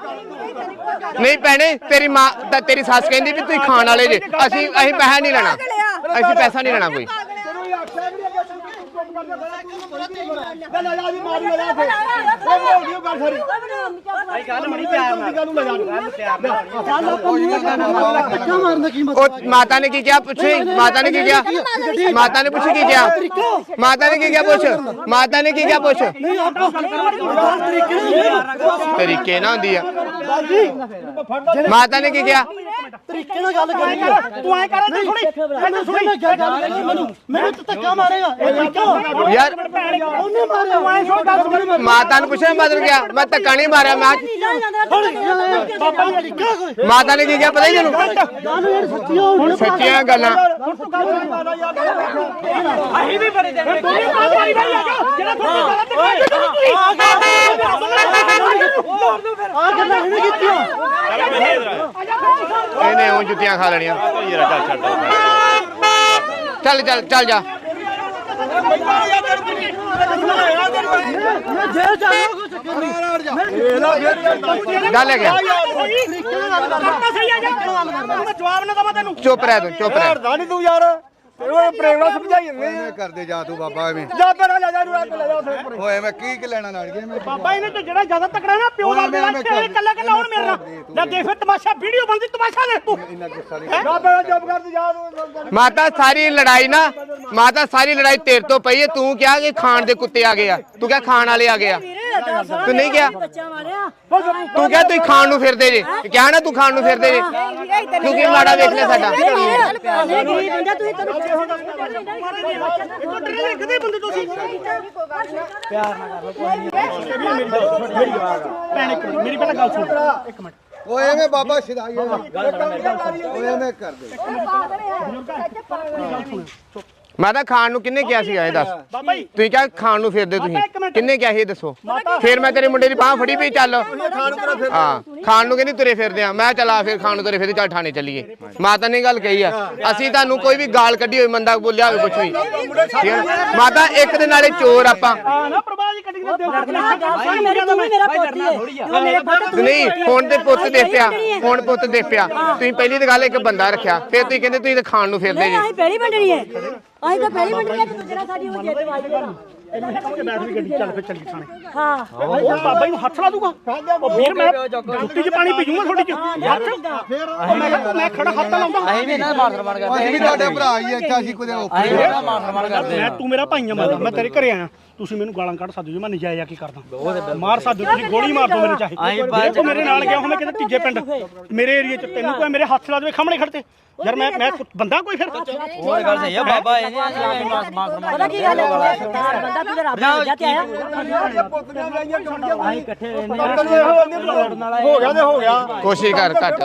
Speaker 1: ਨਹੀਂ ਭੈਣੇ ਤੇਰੀ ਮਾਂ ਤਾਂ ਤੇਰੀ ਸੱਸ ਕਹਿੰਦੀ ਵੀ ਤੁਸੀਂ ਖਾਣ ਵਾਲੇ ਜੇ। ਅਸੀਂ ਪੈਸਾ ਨਹੀਂ ਲੈਣਾ, ਅਸੀਂ ਪੈਸਾ ਨਹੀਂ ਲੈਣਾ ਕੋਈ।
Speaker 3: ਲੈ ਜਾ ਜੀ ਮਾਰ ਲੈ ਜਾ ਫੇਰ ਇਹ ਹੋ ਗਈ ਗੱਲ ਸਾਰੀ
Speaker 4: ਗੱਲ ਬਣੀ ਪਿਆਰ ਨਾਲ
Speaker 3: ਗੱਲ ਨੂੰ ਲੈ ਜਾ
Speaker 4: ਗੱਲ ਪਿਆਰ ਨਾਲ
Speaker 5: ਧੱਕਾ ਮਾਰਨ ਦਾ ਕੀ ਮਤਲਬ
Speaker 1: ਉਹ ਮਾਤਾ ਨੇ ਕੀ ਕਿਹਾ ਪੁੱਛੇ ਮਾਤਾ ਨੇ ਕੀ ਕਿਹਾ ਮਾਤਾ ਨੇ ਪੁੱਛੀ ਕੀ ਕਿਹਾ ਮਾਤਾ ਨੇ ਕੀ ਕਿਹਾ ਪੁੱਛ ਮਾਤਾ ਨੇ ਕੀ ਕਿਹਾ ਪੁੱਛ ਤਰੀਕੇ ਨਾਲ ਹੁੰਦੀ ਆ ਮਾਤਾ ਨੇ ਕੀ ਕਿਹਾ
Speaker 5: ਤਰੀਕੇ ਨਾਲ ਗੱਲ ਕਰੀ
Speaker 2: ਤੂੰ ਐ ਕਰ ਤੇ ਸੁਣੀ
Speaker 5: ਮੈਨੂੰ ਤਾਂ ਧੱਕਾ ਮਾਰੇਗਾ ਇਹ ਤਰੀਕਾ
Speaker 1: ਯਾਰ
Speaker 5: ਉਹਨੇ ਮਾਰਿਆ
Speaker 2: ਤੂੰ ਐ ਸੁਣ ਗੱਲ ਸੁਣੀ
Speaker 1: ਮਾਤਾ ਨੂੰ ਪੁੱਛਿਆ ਮਾਤਾ ਨੂੰ ਕਿਹਾ ਮੈਂ ਧੱਕਾ ਨਹੀਂ ਮਾਰਿਆ ਮੈਂ ਮਾਤਾ ਨੇ ਕੀ ਕਿਹਾ ਪਤਾ ਹੀ ਤੈਨੂੰ
Speaker 5: ਜਾਨੂੰ ਯਾਰ ਸੱਚੀ ਹੋ
Speaker 1: ਸੱਚੀਆਂ ਗੱਲਾਂ
Speaker 4: ਅਸੀਂ ਵੀ ਬੜੇ ਦੇਣੇ
Speaker 2: ਤੂੰ ਵੀ ਕਾਹ ਮਾਰੀ ਬਈ ਆ ਜਿਹੜਾ ਤੁਹਾਡੀ
Speaker 5: ਆ ਗੱਲਾਂ ਇਹਨੇ ਕੀਤੀਆਂ
Speaker 1: ਇਹਨੇ ਉਹ ਜੁੱਤੀਆਂ ਖਾ ਲੈਣੀਆਂ ਚੱਲ ਚੱਲ ਚੱਲ ਜਾ
Speaker 5: ਮੈਂ ਜੇਲ੍ਹ ਜਾਣਾ ਕੋਈ ਚੱਕਰ ਨਹੀਂ
Speaker 1: ਗੱਲ ਹੈ ਗਿਆ
Speaker 2: ਸਹੀ ਆ ਜਾ ਜਵਾਬ ਨਾ ਦਵਾ ਤੈਨੂੰ
Speaker 1: ਚੁੱਪ ਰਹਿ ਤੂੰ ਚੁੱਪ ਰਹਿ
Speaker 3: ਹਟਦਾ ਨਹੀਂ ਤੂੰ ਯਾਰ ਉਹ ਪ੍ਰੇਮ ਨਾਲ ਸਮਝਾਈ ਜਾਂਦੇ
Speaker 8: ਕਰਦੇ ਜਾ ਤੂੰ ਬਾਬਾ ਐਵੇਂ
Speaker 3: ਜਾ ਪਹਿਲਾਂ ਜਾ ਜਾ ਨੂੰ ਲੈ ਜਾ ਉੱਥੇ ਉੱਪਰ
Speaker 8: ਓਏ ਮੈਂ ਕੀ ਲੈਣਾ ਨਾਲ ਗਿਆ ਮੈਂ
Speaker 2: ਬਾਬਾ ਇਹਨੇ ਤੇ ਜਿਹੜਾ ਜ਼ਿਆਦਾ ਤਕੜਾ ਨਾ ਪਿਓ ਦਾ ਕੱਲਾ ਕੱਲਾ ਹੁਣ ਮੇਰੇ ਨਾਲ ਲੈ ਦੇਖ ਫਿਰ ਤਮਾਸ਼ਾ ਵੀਡੀਓ ਬਣਦੀ ਤਮਾਸ਼ਾ ਦੇਖ ਤੂੰ
Speaker 8: ਇੰਨਾ ਗੁੱਸਾ ਨਹੀਂ
Speaker 3: ਜਾ ਪਹਿਲਾਂ ਚੁੱਪ ਕਰ ਤੂੰ ਜਾ ਤੂੰ
Speaker 1: ਮਾਤਾ ਸਾਰੀ ਲੜਾਈ ਨਾ ਮਾਤਾ ਸਾਰੀ ਲੜਾਈ ਤੇਰੇ ਤੋਂ ਪਈ ਹੈ ਤੂੰ ਕਿਹਾ ਕਿ ਖਾਣ ਦੇ ਕੁੱਤੇ ਆ ਗਏ ਆ ਤੂੰ ਕਿਹਾ ਖਾਣ ਵਾਲੇ ਆ ਗਏ ਆ ਤੂੰ ਨਹੀਂ ਕਿਹਾ
Speaker 6: ਬੱਚਾ ਮਾਰਿਆ
Speaker 1: ਤੂੰ ਕਿਹਾ ਤੁਸੀਂ ਖਾਣ ਨੂੰ ਫਿਰਦੇ ਜੇ ਕਿਹਾ ਨਾ ਤੂੰ ਖਾਣ ਨੂੰ ਫਿਰਦੇ ਜੇ ਤੂੰ ਕੀ ਮਾੜਾ ਵੇਖ ਲਿਆ ਸਾਡਾ
Speaker 6: ਨਹੀਂ ਗਰੀਬ ਬੰਦਾ ਤੁਸੀਂ
Speaker 2: ਕਿਤੇ ਬੰਦੇ ਤੁਸੀਂ ਭੈਣ ਇੱਕ ਮਿੰਟ, ਮੇਰੀ ਪਹਿਲਾਂ ਗੱਲ ਸੁਣ ਇੱਕ ਮਿੰਟ
Speaker 8: ਓਏ ਐਵੇਂ ਬਾਬਾ ਸਿਧਾਈ ਓਏ ਐਵੇਂ ਕਰਦੇ
Speaker 1: ਮੈਂ ਤਾਂ ਖਾਣ ਨੂੰ ਕਿੰਨੇ ਕਿਹਾ ਸੀਗਾ ਇਹ ਦੱਸ
Speaker 2: ਬਾਬਾ ਜੀ
Speaker 1: ਤੁਸੀਂ ਕਿਹਾ ਖਾਣ ਨੂੰ ਫਿਰਦੇ
Speaker 2: ਇੱਕ
Speaker 1: ਤੁਸੀਂ
Speaker 2: ਮਿੰਟ।
Speaker 1: ਕਿੰਨੇ ਕਿਹਾ ਸੀ ਇਹ ਦੱਸੋ ਫਿਰ ਮੈਂ ਤੇਰੇ ਮੁੰਡੇ ਦੀ ਬਾਹ ਫੜੀ ਪਈ ਚੱਲ ਹਾਂ ਖਾਣ ਨੂੰ ਕਹਿੰਦੀ ਤੁਰੇ ਫਿਰਦੇ ਆ ਮੈਂ ਚਲਾ ਫਿਰ ਖਾਣ ਨੂੰ ਤੁਰੇ ਫਿਰਦੇ ਚੱਲ ਥਾਣੇ ਚੱਲੀਏ ਮਾਤਾ ਨੇ ਗੱਲ ਕਹੀ ਆ ਅਸੀਂ ਤੁਹਾਨੂੰ ਕੋਈ ਵੀ ਗਾਲ ਕੱਢੀ ਹੋਈ ਮੰਦਾ ਬੋਲਿਆ ਹੋਵੇ ਕੁਝ ਵੀ ਠੀਕ ਹੈ ਮਾਤਾ ਇੱਕ ਦੇ ਨਾਲੇ ਚੋਰ ਆਪਾਂ
Speaker 2: ਆ ਨਾ ਪ੍ਰਭਾ ਜੀ ਕੱਢੀ ਦੇ
Speaker 6: ਮੇਰਾ ਤੂੰ ਮੇਰਾ ਪੋਤੀ ਹੈ ਤੂੰ ਮੇਰੇ ਪੁੱਤ ਤੂੰ
Speaker 1: ਨਹੀਂ ਹੁਣ ਤੇ ਪੁੱਤ ਦੇ ਪਿਆ ਹੁਣ ਪੁੱਤ ਦੇ ਪਿਆ ਤੁਸੀਂ ਪਹਿਲੀ ਤਾਂ ਗੱਲ ਇੱਕ ਬੰਦਾ ਰੱਖਿਆ ਫਿਰ ਤੁਸੀਂ ਕਹਿੰਦੇ ਤੁਸੀਂ ਤਾਂ ਖਾਣ ਨੂੰ ਫਿਰਦੇ
Speaker 6: ਨਹੀਂ
Speaker 1: ਜੀ
Speaker 6: ਅਸੀਂ ਪਹਿਲੀ ਵੰਡਣੀ ਹੈ ਅਸੀਂ ਤਾਂ ਪਹਿਲੀ ਵੰਡਣੀ ਹੈ ਤੇ ਦੂਜਾ ਸਾਡੀ ਉਹ ਜਿੱਦ ਵਾਜੀ ਹੈ
Speaker 2: ਬੈਠ ਵੀ ਗੱਡੀ ਚੱਲ ਫਿਰ ਚੱਲੀ ਥਾਣੇ
Speaker 6: ਹਾਂ
Speaker 2: ਉਹ ਬਾਬਾ ਜੀ ਨੂੰ ਹੱਥ ਲਾ ਦੂਗਾ ਉਹ ਵੀਰ ਮੈਂ ਜੁੱਤੀ 'ਚ ਪਾਣੀ ਪੀਜੂਗਾ ਤੁਹਾਡੀ 'ਚ ਹੱਥ ਉਹ ਮੈਂ ਖੜਾ ਹੱਥ ਲਾਉਂਦਾ
Speaker 4: ਅਸੀਂ ਵੀ ਇਹਨਾਂ ਮਾਰ ਸਰਮਾਨ ਕਰਦੇ
Speaker 8: ਅਸੀਂ ਵੀ ਤੁਹਾਡੇ ਭਰਾ ਹੀ ਇੱਥੇ ਅਸੀਂ ਕੋਈ
Speaker 4: ਅਸੀਂ ਵੀ ਇਹਨਾਂ ਮਾਰ ਸਰਮਾਨ ਕਰਦੇ
Speaker 2: ਮੈਂ ਤੂੰ ਮੇਰਾ ਭਾਈ ਆ ਮੈਂ ਤੇਰੇ ਘਰੇ ਆਇਆ ਤੁਸੀਂ ਮੈਨੂੰ ਗਾਲਾਂ ਕੱਢ ਸਕਦੇ ਹੋ ਮੈਂ ਨਜਾਇਜ਼ ਆ ਕੀ ਕਰਦਾ ਮਾਰ ਸਕਦੇ ਹੋ, ਤੁਸੀਂ ਗੋਲੀ ਮਾਰ ਦੋ ਮੇਰੇ ਚਾਹੇ ਜੇ ਮੇਰੇ ਨਾਲ ਗਿਆ ਹੋਵੇਂ ਕਿਤੇ ਤੀਜੇ ਪਿੰਡ ਮੇਰੇ ਏਰੀਏ 'ਚ ਤੈਨੂੰ ਕੋਈ ਮੇਰੇ ਹੱਥ ਲਾ ਦੇਵੇ ਸਾਹਮਣੇ ਖੜਤੇ ਯਾਰ ਮੈਂ ਬੰਦਾ ਕੋਈ ਫਿਰ
Speaker 4: ਹੋਰ ਗੱਲ ਸਹੀ ਆ ਬਾਬਾ ਇਹਨੇ ਮਾਰ ਸਰਮਾਨ
Speaker 6: ਪਤਾ ਕੀ ਗੱਲ ਹੈ ਬੰਦਾ ਤੂੰ ਰੱਬ ਦਾ ਜਾ ਤੇ ਆਇਆ
Speaker 4: ਅਸੀਂ ਇਕੱਠੇ ਰਹਿੰਦੇ ਆ
Speaker 3: ਹੋ ਗਿਆ ਤੇ ਹੋ ਗਿਆ
Speaker 1: ਕੋਸ਼ਿਸ਼ ਕਰ ਘੱਟ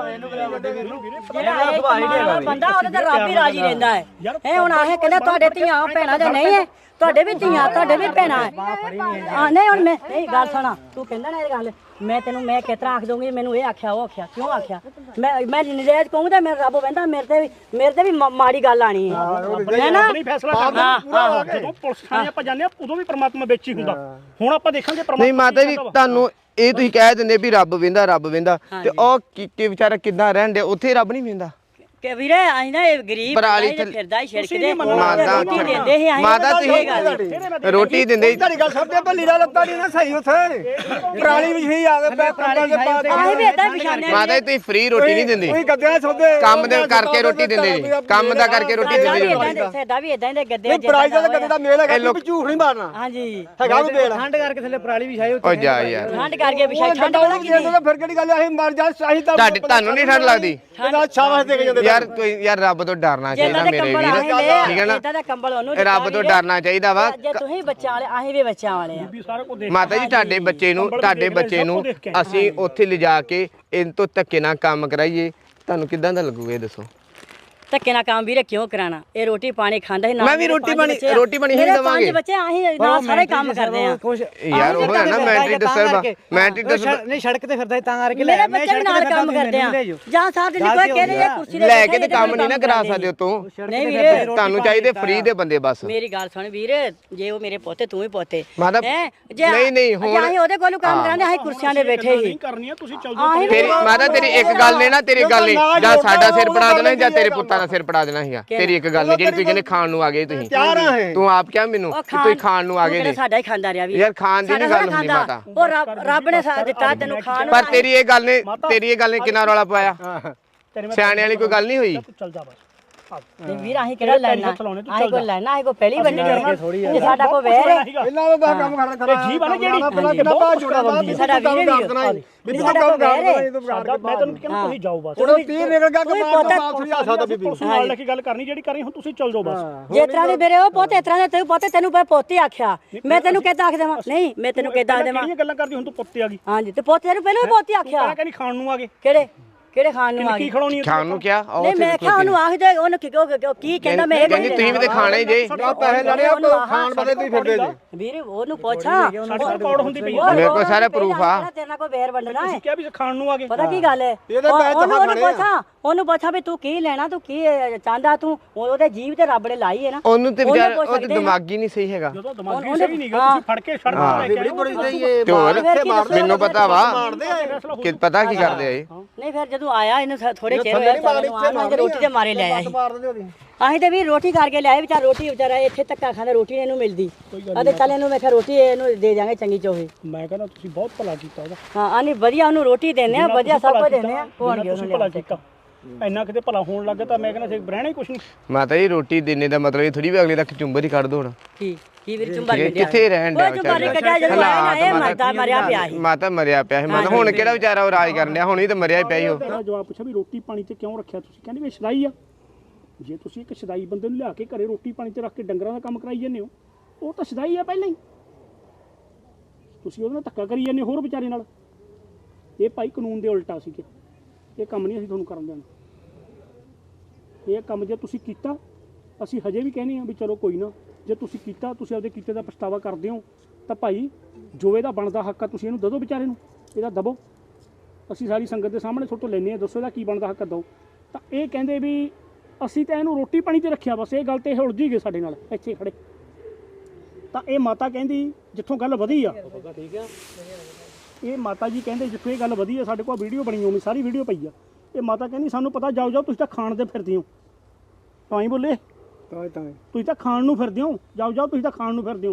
Speaker 6: ਬੰਦਾ ਉਹਦੇ ਤੇ ਰੱਬ ਹੀ ਰਾਜੀ ਰਹਿੰਦਾ ਹੈ ਇਹ ਹੁਣ ਆਹੇ ਕਹਿੰਦਾ ਤੁਹਾਡੇ ਧੀਆਂ ਭੈਣਾਂ ਜਾਂ ਨਹੀਂ ਹੈ ਤੁਹਾਡੇ ਵੀ ਧੀਆਂ ਤੁਹਾਡੇ ਵੀ ਭੈਣਾਂ ਹੈ ਆ ਨਹੀਂ ਹੁਣ ਮੈਂ ਨਹੀਂ ਗੱਲ ਸੁਣਾ ਤੂੰ ਕਹਿੰਦਾ ਨਾ ਇਹ ਗੱਲ ਮੈਂ ਤੈਨੂੰ ਮੈਂ ਕਿਤਰਾ ਆਖ ਦੂੰਗੀ ਮੈਨੂੰ ਇਹ ਆਖਿਆ ਉਹ ਆਖਿਆ ਕਿਉਂ ਆਖਿਆ ਮੈਂ ਨਜਾਇਜ਼ ਕਹੂੰ ਤਾਂ ਮੇਰਾ ਰੱਬ ਕਹਿੰਦਾ ਮੇਰੇ ਤੇ ਵੀ ਮਾੜੀ ਗੱਲ ਆਣੀ ਹੈ ਨਾ
Speaker 2: ਨਹੀਂ ਫੈਸਲਾ ਕਰਨਾ ਜਦੋਂ ਪੁਲਿਸ ਥਾਣੇ ਆਪਾਂ ਜਾਂਦੇ ਆ ਉਦੋਂ ਵੀ ਪ੍ਰਮਾਤਮਾ ਵਿੱਚ ਹੀ ਹੁੰਦਾ ਹੁਣ ਆਪਾਂ ਦੇਖਾਂਗੇ
Speaker 1: ਨਹੀਂ ਮਾਤਾ ਜੀ ਤੁਹਾਨੂੰ ਇਹ ਤੁਸੀਂ ਕਹਿ ਦਿੰਦੇ ਵੀ ਰੱਬ ਵੇਂਦਾ ਤੇ ਉਹ ਕੀ ਵਿਚਾਰਾ ਕਿੱਦਾਂ ਰਹਿਣ ਦੇ ਉੱਥੇ ਰੱਬ ਨਹੀਂ ਵੇਂਦਾ
Speaker 6: ਕਿ ਵੀਰੇ ਅਸੀਂ ਨਾ ਇਹ ਗਰੀਬ
Speaker 1: ਪਰਾਲੀ
Speaker 6: ਅਸੀਂ ਫਿਰਦਾ ਹੀ ਛਿੜਕਦੇ
Speaker 1: ਮਾਤਾ
Speaker 6: ਰੋਟੀ ਦਿੰਦੇ ਸੀ ਅਸੀਂ
Speaker 1: ਮਾਤਾ ਤੁਸੀਂ ਰੋਟੀ ਦਿੰਦੇ
Speaker 3: ਤੁਹਾਡੀ ਗੱਲ ਸਭਦੇ ਭੱਲੀ ਦਾ ਲੱਤਾਂ ਨਹੀਂ ਨਾ ਸਹੀ ਉੱਥੇ ਪਰਾਲੀ ਵੀ ਸਹੀ ਆ ਗਏ ਕੰਬਲ ਦੇ ਪਾ
Speaker 6: ਅਸੀਂ ਵੀ ਏਦਾਂ ਵਿਛਾਉਂਦੇ
Speaker 1: ਮਾਤਾ ਜੀ ਤੁਸੀਂ ਫ੍ਰੀ ਰੋਟੀ ਨਹੀਂ ਦਿੰਦੇ
Speaker 3: ਕੋਈ ਗੱਦਿਆਂ ਸੌਦੇ
Speaker 1: ਕੰਮ ਦੇ ਕਰਕੇ ਰੋਟੀ ਦਿੰਦੇ ਜੀ ਕੰਮ ਦਾ ਕਰਕੇ ਰੋਟੀ ਦਿੰਦੇ ਜੀ
Speaker 6: ਸਾਡਾ ਵੀ ਏਦਾਂ ਦੇ ਗੱਦੇ
Speaker 3: ਪਰਾਲੀ ਦਾ ਗੱਦੇ ਦਾ ਮੇਲ ਹੈਗਾ ਵੀ ਝੂਠ ਨਹੀਂ ਮਾਰਨਾ
Speaker 6: ਹਾਂਜੀ
Speaker 3: ਹੈਗਾ ਵੀ ਮੇਲ
Speaker 4: ਠੰਡ ਕਰਕੇ ਥੱਲੇ ਪਰਾਲੀ ਵੀ ਛਾਈ
Speaker 1: ਓ ਜਾ ਯਾਰ
Speaker 6: ਠੰਡ ਕਰਕੇ ਵਿਛਾਈ ਠੰਡ
Speaker 3: ਠੰਡ
Speaker 6: ਵਾਲਾ ਕੀ ਨਹੀਂ
Speaker 3: ਫਿਰ ਕਿਹੜੀ ਗੱਲ ਅਸੀਂ ਮਰ ਜਾ ਅਸੀਂ ਤਾਂ
Speaker 1: ਤੁਹਾਨੂੰ ਨਹੀਂ ਠੰਡ ਲੱਗਦੀ
Speaker 3: ਇਹਦਾ ਸ਼ਾਬਾਸ਼ ਦੇ ਕੇ ਜਾਂਦੇ
Speaker 1: ਯਾਰ ਕੋਈ ਯਾਰ ਰੱਬ ਤੋਂ ਡਰਨਾ ਚਾਹੀਦਾ ਮੇਰੇ ਵੀਰ ਠੀਕ ਹੈ ਨਾ
Speaker 6: ਇਦਾਂ ਦਾ ਕੰਬਲ ਉਹਨੂੰ
Speaker 1: ਰੱਬ ਤੋਂ ਡਰਨਾ ਚਾਹੀਦਾ ਵਾ
Speaker 6: ਜੇ ਤੁਸੀਂ ਬੱਚਾ ਵਾਲੇ ਅਸੀਂ ਵੀ ਬੱਚਾ ਵਾਲੇ ਆ
Speaker 2: ਸਾਰਾ ਕੁਝ ਦੇਖ
Speaker 1: ਮਾਤਾ ਜੀ ਤੁਹਾਡੇ ਬੱਚੇ ਨੂੰ ਅਸੀਂ ਉੱਥੇ ਲਿਜਾ ਕੇ ਇਹਨਾਂ ਤੋਂ ਧੱਕੇ ਨਾਲ ਕੰਮ ਕਰਾਈਏ ਤੁਹਾਨੂੰ ਕਿੱਦਾਂ ਦਾ ਲੱਗੂਗਾ ਇਹ ਦੱਸੋ
Speaker 6: ਧੱਕੇ ਨਾਲ ਕੰਮ ਵੀਰੇ ਕਿਉਂ ਕਰਾਣਾ ਇਹ ਰੋਟੀ ਪਾਣੀ ਖਾਂਦਾ ਸੀ
Speaker 1: ਮੈਂ ਵੀ ਰੋਟੀ ਪਾਣੀ ਹੀ ਦਵਾਂਗੇ
Speaker 6: ਪੰਜ ਬੱਚੇ ਅਸੀਂ ਨਾਲ ਸਾਰੇ ਕੰਮ ਕਰਦੇ ਆ
Speaker 1: ਯਾਰ ਉਹ ਹੈ ਨਾ ਮੈਂਟਰੀ ਡਿਸਟਰਬ
Speaker 4: ਨਹੀਂ ਸੜਕ ਤੇ ਫਿਰਦਾ ਤਾਂ ਕਰਕੇ
Speaker 6: ਮੇਰੇ ਬੱਚੇ ਵੀ ਨਾਲ ਕੰਮ ਕਰਦੇ ਆ ਜਾਂ ਸਾਹਿਬ ਦੀ ਕੋਈ ਕਹਿੰਦੇ ਇਹ ਕੁਰਸੀ
Speaker 1: ਲੈ ਕੇ ਤੇ ਕੰਮ ਨਹੀਂ ਨਾ ਕਰਾ ਸਕਦੇ ਤੂੰ
Speaker 6: ਨਹੀਂ ਵੀਰੇ
Speaker 1: ਤੁਹਾਨੂੰ ਚਾਹੀਦੇ ਫ੍ਰੀ ਦੇ ਬੰਦੇ ਬਸ
Speaker 6: ਮੇਰੀ ਗੱਲ ਸੁਣ ਵੀਰ ਜੇ ਉਹ ਮੇਰੇ ਪੋਤੇ ਤੂੰ ਹੀ ਪੋਤੇ
Speaker 1: ਨਹੀਂ ਹੁਣ
Speaker 6: ਅਸੀਂ ਉਹਦੇ ਕੋਲੋਂ ਕੰਮ ਕਰਾਂਦੇ ਅਸੀਂ ਕੁਰਸੀਆਂ ਦੇ ਬੈਠੇ ਸੀ
Speaker 2: ਕਰਨੀ ਆ ਤੁਸੀਂ ਚੱਲ ਜਾਓ
Speaker 1: ਤੇਰੀ ਮਾਤਾ ਤੇਰੀ ਇੱਕ ਗੱਲ ਨੇ ਨਾ ਤੇਰੀ ਗੱਲ ਨੇ ਜਾਂ ਸਾਡਾ ਸਿਰ ਪੜਾ ਦੇਣਾ ਜਾਂ ਤੇਰੇ ਪੁੱਤਾਂ ਲੋਕਾਂ ਦਾ ਸਿਰ ਪੜਾ ਦੇਣਾ ਸੀਗਾ ਤੇਰੀ ਇੱਕ ਗੱਲ ਨਹੀਂ ਜਿਹੜੀ ਤੁਸੀਂ ਕਹਿੰਦੇ ਖਾਣ ਨੂੰ ਆ ਗਏ ਤੁਸੀਂ
Speaker 3: ਤਿਆਰ ਆ ਇਹ
Speaker 1: ਤੂੰ ਆਪ ਕਿਹਾ ਮੈਨੂੰ ਕਿ ਤੁਸੀਂ ਖਾਣ ਨੂੰ ਆ ਗਏ ਨੇ
Speaker 6: ਸਾਡਾ ਹੀ ਖਾਂਦਾ ਰਿਹਾ ਵੀ
Speaker 1: ਯਾਰ ਖਾਣ ਦੀ ਨਹੀਂ ਗੱਲ ਹੁੰਦੀ ਮਾਤਾ
Speaker 6: ਉਹ ਰੱਬ ਨੇ ਸਾਥ ਦਿੱਤਾ ਤੈਨੂੰ ਖਾਣ ਨੂੰ
Speaker 1: ਪਰ ਤੇਰੀ ਇਹ ਗੱਲ ਨੇ ਕਿੰਨਾ ਰੌਲਾ ਪਾਇਆ ਸਿਆਣੇ ਵਾਲੀ ਕੋਈ ਗੱਲ ਨਹੀਂ ਹੋਈ
Speaker 2: ਤੂੰ ਚੱਲ ਜਾ ਬਸ
Speaker 6: ਨਹੀਂ ਵੀਰ ਅਸੀਂ ਕਿਹੜਾ ਲੈਣਾ ਆਹੀ ਕੋ ਲੈਣਾ ਆਹੀ ਕੋ ਪਹਿਲੀ ਵੰਡਣੀ ਇਹ ਸਾਡਾ ਕੋ ਵੈਰ ਹੈ
Speaker 3: ਇਹਨਾਂ ਦਾ ਕੰਮ ਕਰ
Speaker 2: ਤੇ ਜੀਵ ਆ ਨਾ ਜਿਹੜੀ
Speaker 3: ਪਹਿਲਾਂ ਕਿੰਨਾ ਪਾ ਜੁੜਾ ਦਾ
Speaker 6: ਸਾਡਾ ਵੀਰ
Speaker 3: ਵੀ ਸਾਡਾ ਕੰਮ ਕਰ
Speaker 2: ਮੈਂ ਤੈਨੂੰ ਕਹਿੰਦਾ ਤੁਸੀਂ ਜਾਓ ਬਸ
Speaker 3: ਹੁਣ 30 ਨਿਕਲ ਗਿਆ ਕਿ ਮਾਰ ਦਾ ਥੋੜੀ ਆ ਸਕਦਾ ਬੀਬੀ
Speaker 2: ਪੁਲਿਸ ਨਾਲ ਲੈ ਕੇ ਗੱਲ ਕਰਨੀ ਜਿਹੜੀ ਕਰੀ ਹੁਣ ਤੁਸੀਂ ਚੱਲ ਜਾਓ ਬਸ
Speaker 6: ਜੇ ਤਰ੍ਹਾਂ ਦੇ ਮੇਰੇ ਉਹ ਪੋਤੇ ਤਰ੍ਹਾਂ ਦੇ ਤੈਨੂੰ ਪੋਤੇ ਤੈਨੂੰ ਪੋਤੇ ਆਖਿਆ ਮੈਂ ਤੈਨੂੰ ਕਿੱਦਾਂ ਆਖ ਦੇਵਾਂ ਨਹੀਂ ਮੈਂ ਤੈਨੂੰ ਕਿੱਦਾਂ ਆਖ ਦੇਵਾਂ
Speaker 2: ਕਿਹੜੀਆਂ ਗੱਲਾਂ ਕਰਦੀ ਹੁਣ ਤੂੰ ਪੁੱਤੇ ਆ ਗਈ
Speaker 6: ਹਾਂਜੀ ਤੇ ਪੋਤੇ ਤੈਨੂੰ ਪਹਿਲਾਂ ਵੀ ਪੋਤੇ ਆਖਿਆ
Speaker 2: ਪਹਿਲਾਂ ਕਹਿੰਦੀ ਖਾਣ ਨੂੰ ਆ ਗਏ
Speaker 6: ਕਿਹੜੇ ਖਾਣ ਨੂੰ ਆ
Speaker 2: ਕੀ
Speaker 6: ਗਏ
Speaker 2: ਖੜਾਉਣੀ
Speaker 1: ਖਾਣ ਨੂੰ ਕਿਹਾ
Speaker 6: ਨਹੀਂ ਮੈਂ ਕਿਹਾ ਉਹਨੂੰ ਆਖ ਦੇ ਉਹਨੂੰ ਕੀ ਕਹਿੰਦਾ ਮੈਂ ਇਹ
Speaker 1: ਕਹਿੰਦੀ ਤੁਸੀਂ ਵੀ ਤੇ ਖਾਣਾ ਹੀ ਜੇ
Speaker 3: ਪੈਸੇ ਲੈਣੇ ਆ ਖਾਣ ਬਦੇ ਤੁਸੀਂ ਫਿਰਦੇ ਜੀ
Speaker 6: ਵੀਰ ਉਹਨੂੰ ਪੁੱਛਾਂ
Speaker 2: ਸਾਡੇ ਰਿਕਾਰਡ ਹੁੰਦੀ ਪਈ
Speaker 1: ਮੇਰੇ ਕੋਲ ਸਾਰੇ ਪ੍ਰੂਫ ਆ
Speaker 6: ਤੇਰੇ ਨਾਲ ਕੋਈ ਵੈਰ ਵੰਡਣਾ ਹੈ
Speaker 2: ਕਿਹਾ ਵੀ ਖਾਣ ਨੂੰ ਆ ਗਏ
Speaker 6: ਪਤਾ ਕੀ ਗੱਲ ਹੈ ਉਹਨੂੰ ਪੁੱਛਾਂ ਵੀ ਤੂੰ ਕੀ ਲੈਣਾ ਤੂੰ ਕੀ ਚਾਹੁੰਦਾ ਤੂੰ ਉਹਦੇ ਜੀਵ ਤੇ ਰੱਬ ਨੇ ਲਾਈ ਹੈ ਨਾ
Speaker 1: ਉਹਨੂੰ ਤੇ ਵਿਚਾਰ ਉਹਦੇ ਦਿਮਾਗ ਹੀ ਨਹੀਂ ਸਹੀ ਹੈਗਾ
Speaker 2: ਜਦੋਂ ਦਿਮਾਗੀ ਸਹੀ ਨਹੀਂ ਗਾ ਤੁਸੀਂ ਫੜ ਕੇ ਸੜਕ ਤੇ ਲੈ ਕੇ
Speaker 1: ਤੇ ਹੋਰ ਮੈਨੂੰ ਪਤਾ ਵਾ ਕਿ ਪਤਾ ਕੀ ਕਰਦੇ ਆ ਇਹ
Speaker 6: ਨਹੀਂ ਫਿਰ ਜਦੋਂ ਆਇਆ ਇਹਨੂੰ ਥੋੜੇ ਚਿਰ ਹੋਇਆ ਰੋਟੀ ਤੇ ਮਾਰੇ ਲੈ ਆਇਆ ਅਸੀਂ ਤੇ ਵੀ ਰੋਟੀ ਕਰਕੇ ਲਿਆਏ ਵਿਚਾਰ ਰੋਟੀ ਵਿਚਾਰਾ ਇੱਥੇ ਧੱਕਾ ਖਾਂਦਾ ਰੋਟੀ ਇਹਨੂੰ ਮਿਲਦੀ ਅਤੇ ਚੱਲ ਇਹਨੂੰ ਮੈਂ ਕਿਹਾ ਰੋਟੀ ਇਹਨੂੰ ਦੇ ਜਾਵਾਂਗੇ ਚੰਗੀ ਚੋਹੀ
Speaker 2: ਮੈਂ ਕਹਿੰਦਾ ਤੁਸੀਂ ਬਹੁਤ ਭਲਾ ਕੀਤਾ ਉਹਦਾ
Speaker 6: ਹਾਂ ਆਨੀ ਵਧੀਆ ਉਹਨੂੰ ਰੋਟੀ ਦਿੰਦੇ ਆ ਵਧੀਆ ਸਭ ਕੁਝ ਦਿੰਦੇ ਆ ਹੋਣਗੇ
Speaker 2: ਤੁਸੀਂ ਭਲਾ ਕੀਤਾ ਇੰਨਾ ਕਿਤੇ ਭਲਾ ਹੋਣ ਲੱਗਾ ਤਾਂ ਮੈਂ ਕਹਿੰਦਾ ਰਹਿਣਾ ਹੀ ਕੁਛ ਨਹੀਂ
Speaker 1: ਮਾਤਾ ਜੀ ਰੋਟੀ ਦੇਣੇ ਦਾ ਮਤਲਬ ਇਹ ਥੋੜੀ ਵੀ ਅਗਲੇ ਤੱਕ ਚੁੰਬਰ ਹੀ ਕੱਢ ਦੋ ਹੁਣ
Speaker 6: ਕੀ ਵੀਰ ਚੁੰਬਰ
Speaker 1: ਕਿੱਥੇ ਰਹਿਣ ਡਿਆ
Speaker 6: ਵਿਚਾਰਾ
Speaker 1: ਮਾਤਾ ਮਰਿਆ ਪਿਆ ਸੀ ਮਾਤਾ ਹੁਣ ਕਿਹੜਾ ਵਿਚਾਰਾ ਉਹ ਰਾਜ ਕਰਨ ਡਿਆ ਹੁਣ ਹੀ ਤਾਂ ਮਰਿਆ ਪਿਆ ਹੀ ਉਹ
Speaker 2: ਜਵਾਬ ਪੁੱਛਿਆ ਵੀ ਰੋਟੀ ਪਾਣੀ ਤੇ ਕਿਉਂ ਰੱਖਿਆ ਤੁਸੀਂ ਕਹਿੰਦੇ ਵੀ ਸ਼ਦਾਈ ਆ ਜੇ ਤੁਸੀਂ ਇੱਕ ਸ਼ਦਾਈ ਬੰਦੇ ਨੂੰ ਲਿਆ ਕੇ ਘਰੇ ਰੋਟੀ ਪਾਣੀ ਤੇ ਰੱਖ ਕੇ ਡੰਗਰਾਂ ਦਾ ਕੰਮ ਕਰਾਈ ਜਾਂਦੇ ਹੋ ਉਹ ਤਾਂ ਸ਼ਦਾਈ ਆ ਪਹਿਲਾਂ ਹੀ ਤੁਸੀਂ ਉਹਦੇ ਨਾਲ ਧੱਕਾ ਕਰੀ ਜਾਂਦੇ ਹੋਰ ਵਿਚਾਰੇ ਨਾਲ ਇਹ ਭਾਈ ਕਾਨੂੰਨ ਦੇ ਉਲਟਾ ਸੀ ਕਿ ਇਹ ਕੰਮ ਨਹੀਂ ਅਸੀਂ ਤੁਹਾਨੂੰ ਕਰਨ ਦੇਣਾ ਇਹ ਕੰਮ ਜੇ ਤੁਸੀਂ ਕੀਤਾ ਅਸੀਂ ਹਜੇ ਵੀ ਕਹਿੰਦੇ ਆ ਵੀ ਚਲੋ ਕੋਈ ਨਾ ਜੇ ਤੁਸੀਂ ਕੀਤਾ ਤੁਸੀਂ ਆਪਦੇ ਕੀਤੇ ਦਾ ਪਛਤਾਵਾ ਕਰਦੇ ਹੋ ਤਾਂ ਭਾਈ ਜੋ ਇਹਦਾ ਬਣਦਾ ਹੱਕ ਆ ਤੁਸੀਂ ਇਹਨੂੰ ਦੇ ਦਿਓ ਵਿਚਾਰੇ ਨੂੰ ਇਹਦਾ ਦਬੋ ਅਸੀਂ ਸਾਰੀ ਸੰਗਤ ਦੇ ਸਾਹਮਣੇ ਤੁਹਾਡੇ ਤੋਂ ਲੈਂਦੇ ਆ ਦੱਸੋ ਇਹਦਾ ਕੀ ਬਣਦਾ ਹੱਕ ਦਿਓ ਤਾਂ ਇਹ ਕਹਿੰਦੇ ਵੀ ਅਸੀਂ ਤਾਂ ਇਹਨੂੰ ਰੋਟੀ ਪਾਣੀ ਤੇ ਰੱਖਿਆ ਬਸ ਇਹ ਗੱਲ ਤੇ ਇਹ ਉਲਝੀ ਗਏ ਸਾਡੇ ਨਾਲ ਇੱਥੇ ਖੜੇ ਤਾਂ ਇਹ ਮਾਤਾ ਕਹਿੰਦੀ ਜਿੱਥੋਂ ਗੱਲ ਵਧੀ ਆ ਇਹ ਮਾਤਾ ਜੀ ਕਹਿੰਦੇ ਜਿੱਥੋਂ ਇਹ ਗੱਲ ਵਧੀ ਆ ਸਾਡੇ ਕੋਲ ਵੀਡੀਓ ਬਣੀ ਹੋਣੀ ਸਾਰੀ ਵੀਡੀਓ ਪਈ ਆ ਇਹ ਮਾਤਾ ਕਹਿੰਦੀ ਸਾਨੂੰ ਪਤਾ ਜਾਓ ਤੁਸੀਂ ਤਾਂ ਖਾਣ ਦੇ ਫਿਰਦੇ ਹੋ ਤਾਂ ਹੀ ਬੋਲੇ ਤੁਸੀਂ ਤਾਂ ਖਾਣ ਨੂੰ ਫਿਰਦੇ ਹੋ ਜਾਓ ਤੁਸੀਂ ਤਾਂ ਖਾਣ ਨੂੰ ਫਿਰਦੇ ਹੋ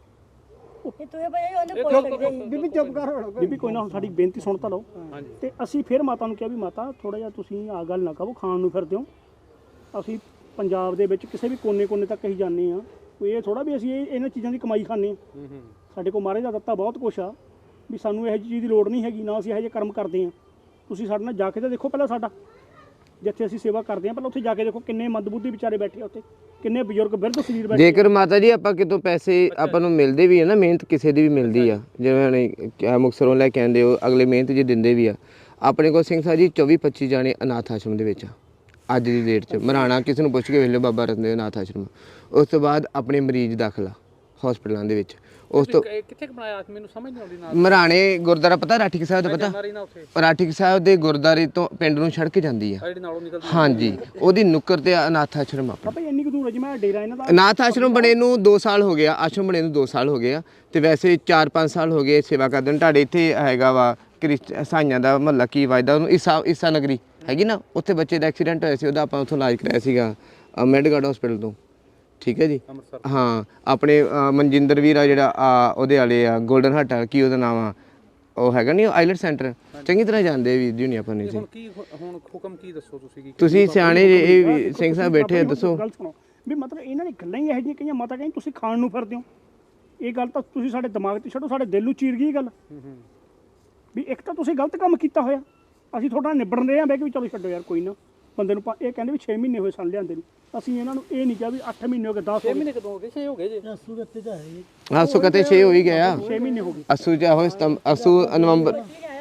Speaker 3: ਬੀਬੀ ਚੁੱਪ ਕਰ
Speaker 2: ਬੀਬੀ ਕੋਈ ਨਾ ਹੁਣ ਸਾਡੀ ਬੇਨਤੀ ਸੁਣ ਤਾਂ ਲਓ ਤੇ ਅਸੀਂ ਫਿਰ ਮਾਤਾ ਨੂੰ ਕਿਹਾ ਵੀ ਮਾਤਾ ਥੋੜਾ ਜਿਹਾ ਤੁਸੀਂ ਆ ਗੱਲ ਨਾ ਕਹੋ ਖਾਣ ਨੂੰ ਫਿਰਦੇ ਹੋ ਅਸੀਂ ਪੰਜਾਬ ਦੇ ਵਿੱਚ ਕਿਸੇ ਵੀ ਕੋਨੇ ਤੱਕ ਅਸੀਂ ਜਾਂਦੇ ਆ ਕੋਈ ਇਹ ਥੋੜਾ ਵੀ ਅਸੀਂ ਇਹਨਾਂ ਚੀਜ਼ਾਂ ਦੀ ਕਮਾਈ ਖਾਂਦੇ ਆ ਸਾਡੇ ਕੋਲ ਮਹਾਰਾਜ ਦਾ ਦਿੱਤਾ ਬਹੁਤ ਕੁਛ ਆ ਵੀ ਸਾਨੂੰ ਇਹੋ ਜਿਹੀ ਚੀਜ਼ ਦੀ ਲੋੜ ਨਹੀਂ ਹੈਗੀ ਨਾ ਅਸੀਂ ਇਹੋ ਜਿਹੇ ਕਰਮ ਕਰਦੇ ਆ ਤੁਸੀਂ ਸਾਡੇ ਨਾਲ ਜਾ ਕੇ ਤਾਂ ਦੇਖੋ ਪਹਿਲਾਂ ਸਾਡਾ ਜਿੱਥੇ ਅਸੀਂ ਸੇਵਾ ਕਰਦੇ ਆ ਪਹਿਲਾਂ ਉੱਥੇ ਜਾ ਕੇ ਦੇਖੋ ਕਿੰਨੇ ਮੰਦਬੁੱਧੀ ਵਿਚਾਰੇ ਬੈਠੇ ਆ ਉੱਥੇ ਕਿੰਨੇ ਬਜ਼ੁਰਗ ਬਿਰਧ ਸਰੀਰ ਬੈਠੇ
Speaker 1: ਜੇਕਰ ਮਾਤਾ ਜੀ ਆਪਾਂ ਕਿਤੋਂ ਪੈਸੇ ਆਪਾਂ ਨੂੰ ਮਿਲਦੇ ਵੀ ਆ ਨਾ ਮਿਹਨਤ ਕਿਸੇ ਦੀ ਵੀ ਮਿਲਦੀ ਆ ਜਿਵੇਂ ਮੁਕਤਸਰੋਂ ਲੈ ਕੇ ਆਂਦੇ ਹੋ ਅਗਲੇ ਮਿਹਨਤ ਜੀ ਦਿੰਦੇ ਵੀ ਆ ਆਪਣੇ ਕੋਲ ਸਿੰਘ ਸਾਹਿਬ ਜੀ 24-25 ਜਾਣੇ ਅਨਾਥ ਆਸ਼ਰਮ ਦੇ ਵਿੱਚ ਅੱਜ ਦੀ ਡੇਟ 'ਚ ਮਰਾਣਾ ਕਿਸੇ ਨੂੰ ਪੁੱਛ ਕੇ ਵੇਖ ਲਓ ਬਾਬਾ ਰਤਨਦੇਵ ਅਨਾਥ ਆਸ਼ਰਮ ਉਸ ਤੋਂ ਬਾਅਦ ਆਪਣੇ ਮਰੀਜ਼ ਦਾਖਲਾ ਹਸਪਤਾਲਾਂ ਦੇ ਵਿੱਚ ਉਸ ਤੋਂ
Speaker 9: ਕਿੱਥੇ ਬਣਾਇਆ ਮੈਨੂੰ ਸਮਝ ਨਹੀਂ ਆਉਂਦੀ ਨਾ
Speaker 1: ਮਰਾਣੇ ਗੁਰਦੁਆਰਾ ਪਤਾ ਰਾਠੀ ਸਾਹਿਬ ਦਾ ਪਤਾ ਰਾਠੀ ਸਾਹਿਬ ਦੇ ਗੁਰਦੁਆਰੇ ਤੋਂ ਪਿੰਡ ਨੂੰ ਸੜਕ ਜਾਂਦੀ ਆ ਹਾਂਜੀ ਉਹਦੀ ਨੁੱਕਰ ਤੇ ਅਨਾਥ ਆਸ਼ਰਮ ਆ
Speaker 2: ਭਾਈ ਇੰਨੀ ਕੁ ਦੂਰ ਜਿਵੇਂ ਡੇਰਾ ਇਹਨਾਂ ਦਾ
Speaker 1: ਅਨਾਥ ਆਸ਼ਰਮ ਬਣੇ ਨੂੰ 2 ਸਾਲ ਹੋ ਗਿਆ ਆਸ਼ਰਮ ਬਣੇ ਨੂੰ 2 ਸਾਲ ਹੋ ਗਏ ਆ ਤੇ ਵੈਸੇ 4-5 ਸਾਲ ਹੋ ਗਏ ਸੇਵਾ ਕਰਦੇ ਨੇ ਤੁਹਾਡੇ ਇੱਥੇ ਹੈਗਾ ਵਾ ਸਾਈਆਂ ਦਾ ਮਹੱਲਾ ਕੀ ਵਜਦਾ ਉਹਨੂੰ ਈਸਾ ਨਗਰੀ ਹੈਗੀ ਨਾ ਉੱਥੇ ਬੱਚੇ ਦਾ ਐਕਸੀਡੈਂਟ ਹੋਇਆ ਸੀ ਉਹਦਾ ਆਪਾਂ ਉੱਥੋਂ ਇਲਾਜ ਕਰਾਇਆ ਸੀਗਾ ਮੈਡਗਾਰਡ ਹਸਪੀਟਲ ਤੋਂ ਠੀਕ ਹੈ ਜੀ ਹਾਂ ਆਪਣੇ ਮਨਜਿੰਦਰ ਵੀਰ ਆ ਜਿਹੜਾ ਉਹਦੇ ਵਾਲੇ ਆ ਗੋਲਡਨ ਹੱਟ ਕੀ ਉਹਦਾ ਨਾਮ ਆ ਉਹ ਹੈਗਾ ਨਹੀਂ ਆਈਲੈਟ ਸੈਂਟਰ ਚੰਗੀ ਤਰ੍ਹਾਂ ਜਾਣਦੇ ਵੀਰ ਜੀ ਨਹੀਂ ਆਪਾਂ ਨਹੀਂ
Speaker 9: ਹੁਣ ਹੁਕਮ ਕੀ ਦੱਸੋ
Speaker 1: ਤੁਸੀਂ ਸਿਆਣੇ ਇਹ ਸਿੰਘ ਸਾਹਿਬ ਬੈਠੇ ਆ ਦੱਸੋ
Speaker 2: ਗੱਲ ਸੁਣੋ ਵੀ ਮਤਲਬ ਇਹਨਾਂ ਦੀ ਗੱਲਾਂ ਹੀ ਇਹੋ ਜਿਹੀਆਂ ਕਈਆਂ ਮਾਤਾ ਕਹਿੰਦੀ ਤੁਸੀਂ ਖਾਣ ਨੂੰ ਫਿਰਦੇ ਹੋ ਇਹ ਗੱਲ ਤਾਂ ਤੁਸੀਂ ਸਾਡੇ ਦਿਮਾਗ ਤੇ ਛੱਡੋ ਸਾਡੇ ਦਿਲ ਨੂੰ ਚੀਰ ਗਈ ਗੱਲ ਵੀ ਇੱਕ ਤਾਂ ਤੁਸੀਂ ਗਲਤ ਕੰਮ ਕੀਤਾ ਹੋਇਆ ਅਸੀਂ ਤੁਹਾਡਾ ਨਿਬੜਨ ਰਹੇ ਹਾਂ ਬਹਿ ਕੇ ਵੀ ਚਲੋ ਛੱਡੋ ਯਾਰ ਕੋਈ ਨਾ ਬੰਦੇ ਨੂੰ ਇਹ ਕਹਿੰਦੇ ਵੀ 6 ਮਹੀਨੇ ਹੋਏ ਸਨ ਲਿਆਂਦੇ ਨੂੰ ਅਸੀਂ ਇਹਨਾਂ ਨੂੰ ਇਹ ਨਹੀਂ ਕਿਹਾ ਵੀ 8 ਮਹੀਨੇ ਹੋ ਗਏ 10
Speaker 9: 6 ਮਹੀਨੇ ਕਦੋਂ ਹੋ ਗਏ 6 ਹੋ ਗਏ ਜੀ
Speaker 1: ਆਸੂ ਕਤੇ 6 ਹੋ ਹੀ ਗਿਆ
Speaker 2: 6 ਮਹੀਨੇ ਹੋ ਗਏ
Speaker 1: ਅਸੂ ਜਾ ਹੋਏ ਅਸੂ ਨਵੰਬਰ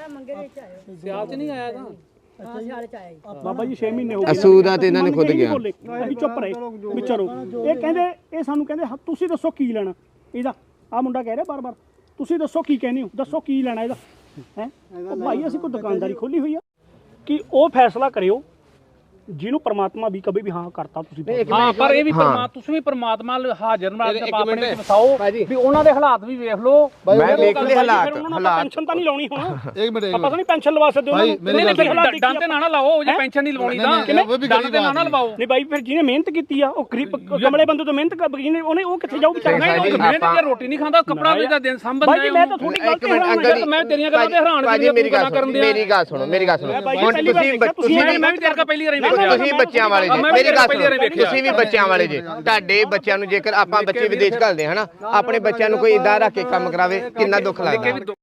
Speaker 9: ਸਿਆਲ ਚ ਨਹੀਂ ਆਇਆ ਤਾਂ
Speaker 2: ਬਾਬਾ ਜੀ 6 ਮਹੀਨੇ ਹੋ ਗਏ
Speaker 1: ਅਸੂ ਦਾ ਤੇ ਇਹਨਾਂ ਨੇ ਖੁਦ ਗਿਆ
Speaker 2: ਅਸੀਂ ਚੁੱਪ ਰਹੇ ਵਿਚਾਰੋ ਇਹ ਕਹਿੰਦੇ ਇਹ ਸਾਨੂੰ ਕਹਿੰਦੇ ਤੁਸੀਂ ਦੱਸੋ ਕੀ ਲੈਣਾ ਇਹਦਾ ਆ ਮੁੰਡਾ ਕਹਿ ਰਿਹਾ ਬਾਰ-ਬਾਰ ਤੁਸੀਂ ਦੱਸੋ ਕੀ ਕਹਿੰਦੇ ਹੋ ਦੱਸੋ ਕੀ ਲੈਣਾ ਇਹਦਾ ਹੈ ਭਾਈ ਅਸੀਂ ਕੋਈ ਦੁਕਾਨਦਾਰੀ ਖੋਲੀ ਹੋਈ ਆ ਕਿ ਉਹ ਫੈਸਲਾ ਕਰਿਓ ਜਿਹਨੂੰ ਪਰਮਾਤਮਾ ਵੀ ਕਦੇ ਵੀ ਹਾਂ ਕਰਤਾ ਤੁਸੀਂ
Speaker 9: ਹਾਂ ਪਰ ਇਹ ਵੀ ਤੁਸੀਂ ਵੀ ਪਰਮਾਤਮਾ ਹਾਜ਼ਰ ਨਾਲ ਆਪਣੇ ਵਿੱਚ ਵਸਾਓ ਵੀ ਉਹਨਾਂ ਦੇ ਹਾਲਾਤ ਵੀ ਵੇਖ ਲਓ
Speaker 1: ਮੈਂ ਵੇਖ ਲਏ ਹਾਲਾਤ
Speaker 2: ਪੈਨਸ਼ਨ ਤਾਂ ਨਹੀਂ ਲਾਉਣੀ ਹੁਣ
Speaker 8: ਇੱਕ ਮਿੰਟ
Speaker 2: ਆਪਾਂ ਤਾਂ ਨਹੀਂ ਪੈਨਸ਼ਨ ਲਵਾ ਸਕਦੇ ਉਹਨਾਂ ਨੂੰ
Speaker 9: ਨਹੀਂ ਡੰਡ ਤੇ ਨਾ ਲਾਓ ਜੇ ਪੈਨਸ਼ਨ ਨਹੀਂ ਲਵਾਉਣੀ ਤਾਂ ਡੰਡ ਤੇ ਨਾ ਲਵਾਓ
Speaker 2: ਨਹੀਂ ਬਾਈ ਫਿਰ ਜਿਹਨੇ ਮਿਹਨਤ ਕੀਤੀ ਆ ਉਹ ਗਰੀਬ ਕਮਲੇ ਬੰਦੇ ਤੋਂ ਮਿਹਨਤ ਜਿਹਨੇ ਉਹਨੇ ਉਹ ਕਿੱਥੇ ਜਾਊ ਵਿਚਾਰਾ
Speaker 9: ਨਹੀਂ ਮਿਹਨਤ ਤੇ ਰੋਟੀ ਨਹੀਂ ਖਾਂਦਾ ਕੱਪੜਾ ਵੇਚਦਾ ਦਿਨ ਸੰਭੰਦਾ
Speaker 2: ਬਾਈ ਮੈਂ ਤਾਂ ਥੋੜੀ
Speaker 1: ਇੱਕ ਮਿੰਟ ਅੰਕਲ
Speaker 9: ਮੈਂ ਤੇਰੀਆਂ ਗੱਲਾਂ ਤੇ ਹੈਰਾਨ
Speaker 1: ਭਾਜੀ ਮੇਰੀ ਗੱਲ ਸੁਣੋ ਮੇਰੀ ਗੱਲ ਸੁਣੋ ਹੁਣ ਤੁਸੀਂ
Speaker 9: ਮੈਂ ਵੀ ਤੇਰੇ ਕੋਲ ਪਹਿਲੀ ਵਾਰ
Speaker 1: ਤੁਸੀਂ ਬੱਚਿਆਂ ਵਾਲੇ ਜੀ ਮੇਰੀ ਗੱਲ ਸੁਣੋ ਤੁਸੀਂ ਵੀ ਬੱਚਿਆਂ ਵਾਲੇ ਜੀ ਤੁਹਾਡੇ ਬੱਚਿਆਂ ਨੂੰ ਜੇਕਰ ਆਪਾਂ ਬੱਚੇ ਵਿਦੇਸ਼ ਘੱਲਦੇ ਹਨਾ ਆਪਣੇ ਬੱਚਿਆਂ ਨੂੰ ਕੋਈ ਇਦਾਂ ਰੱਖ ਕੇ ਕੰਮ ਕਰਾਵੇ ਕਿੰਨਾ ਦੁੱਖ ਲੱਗਦਾ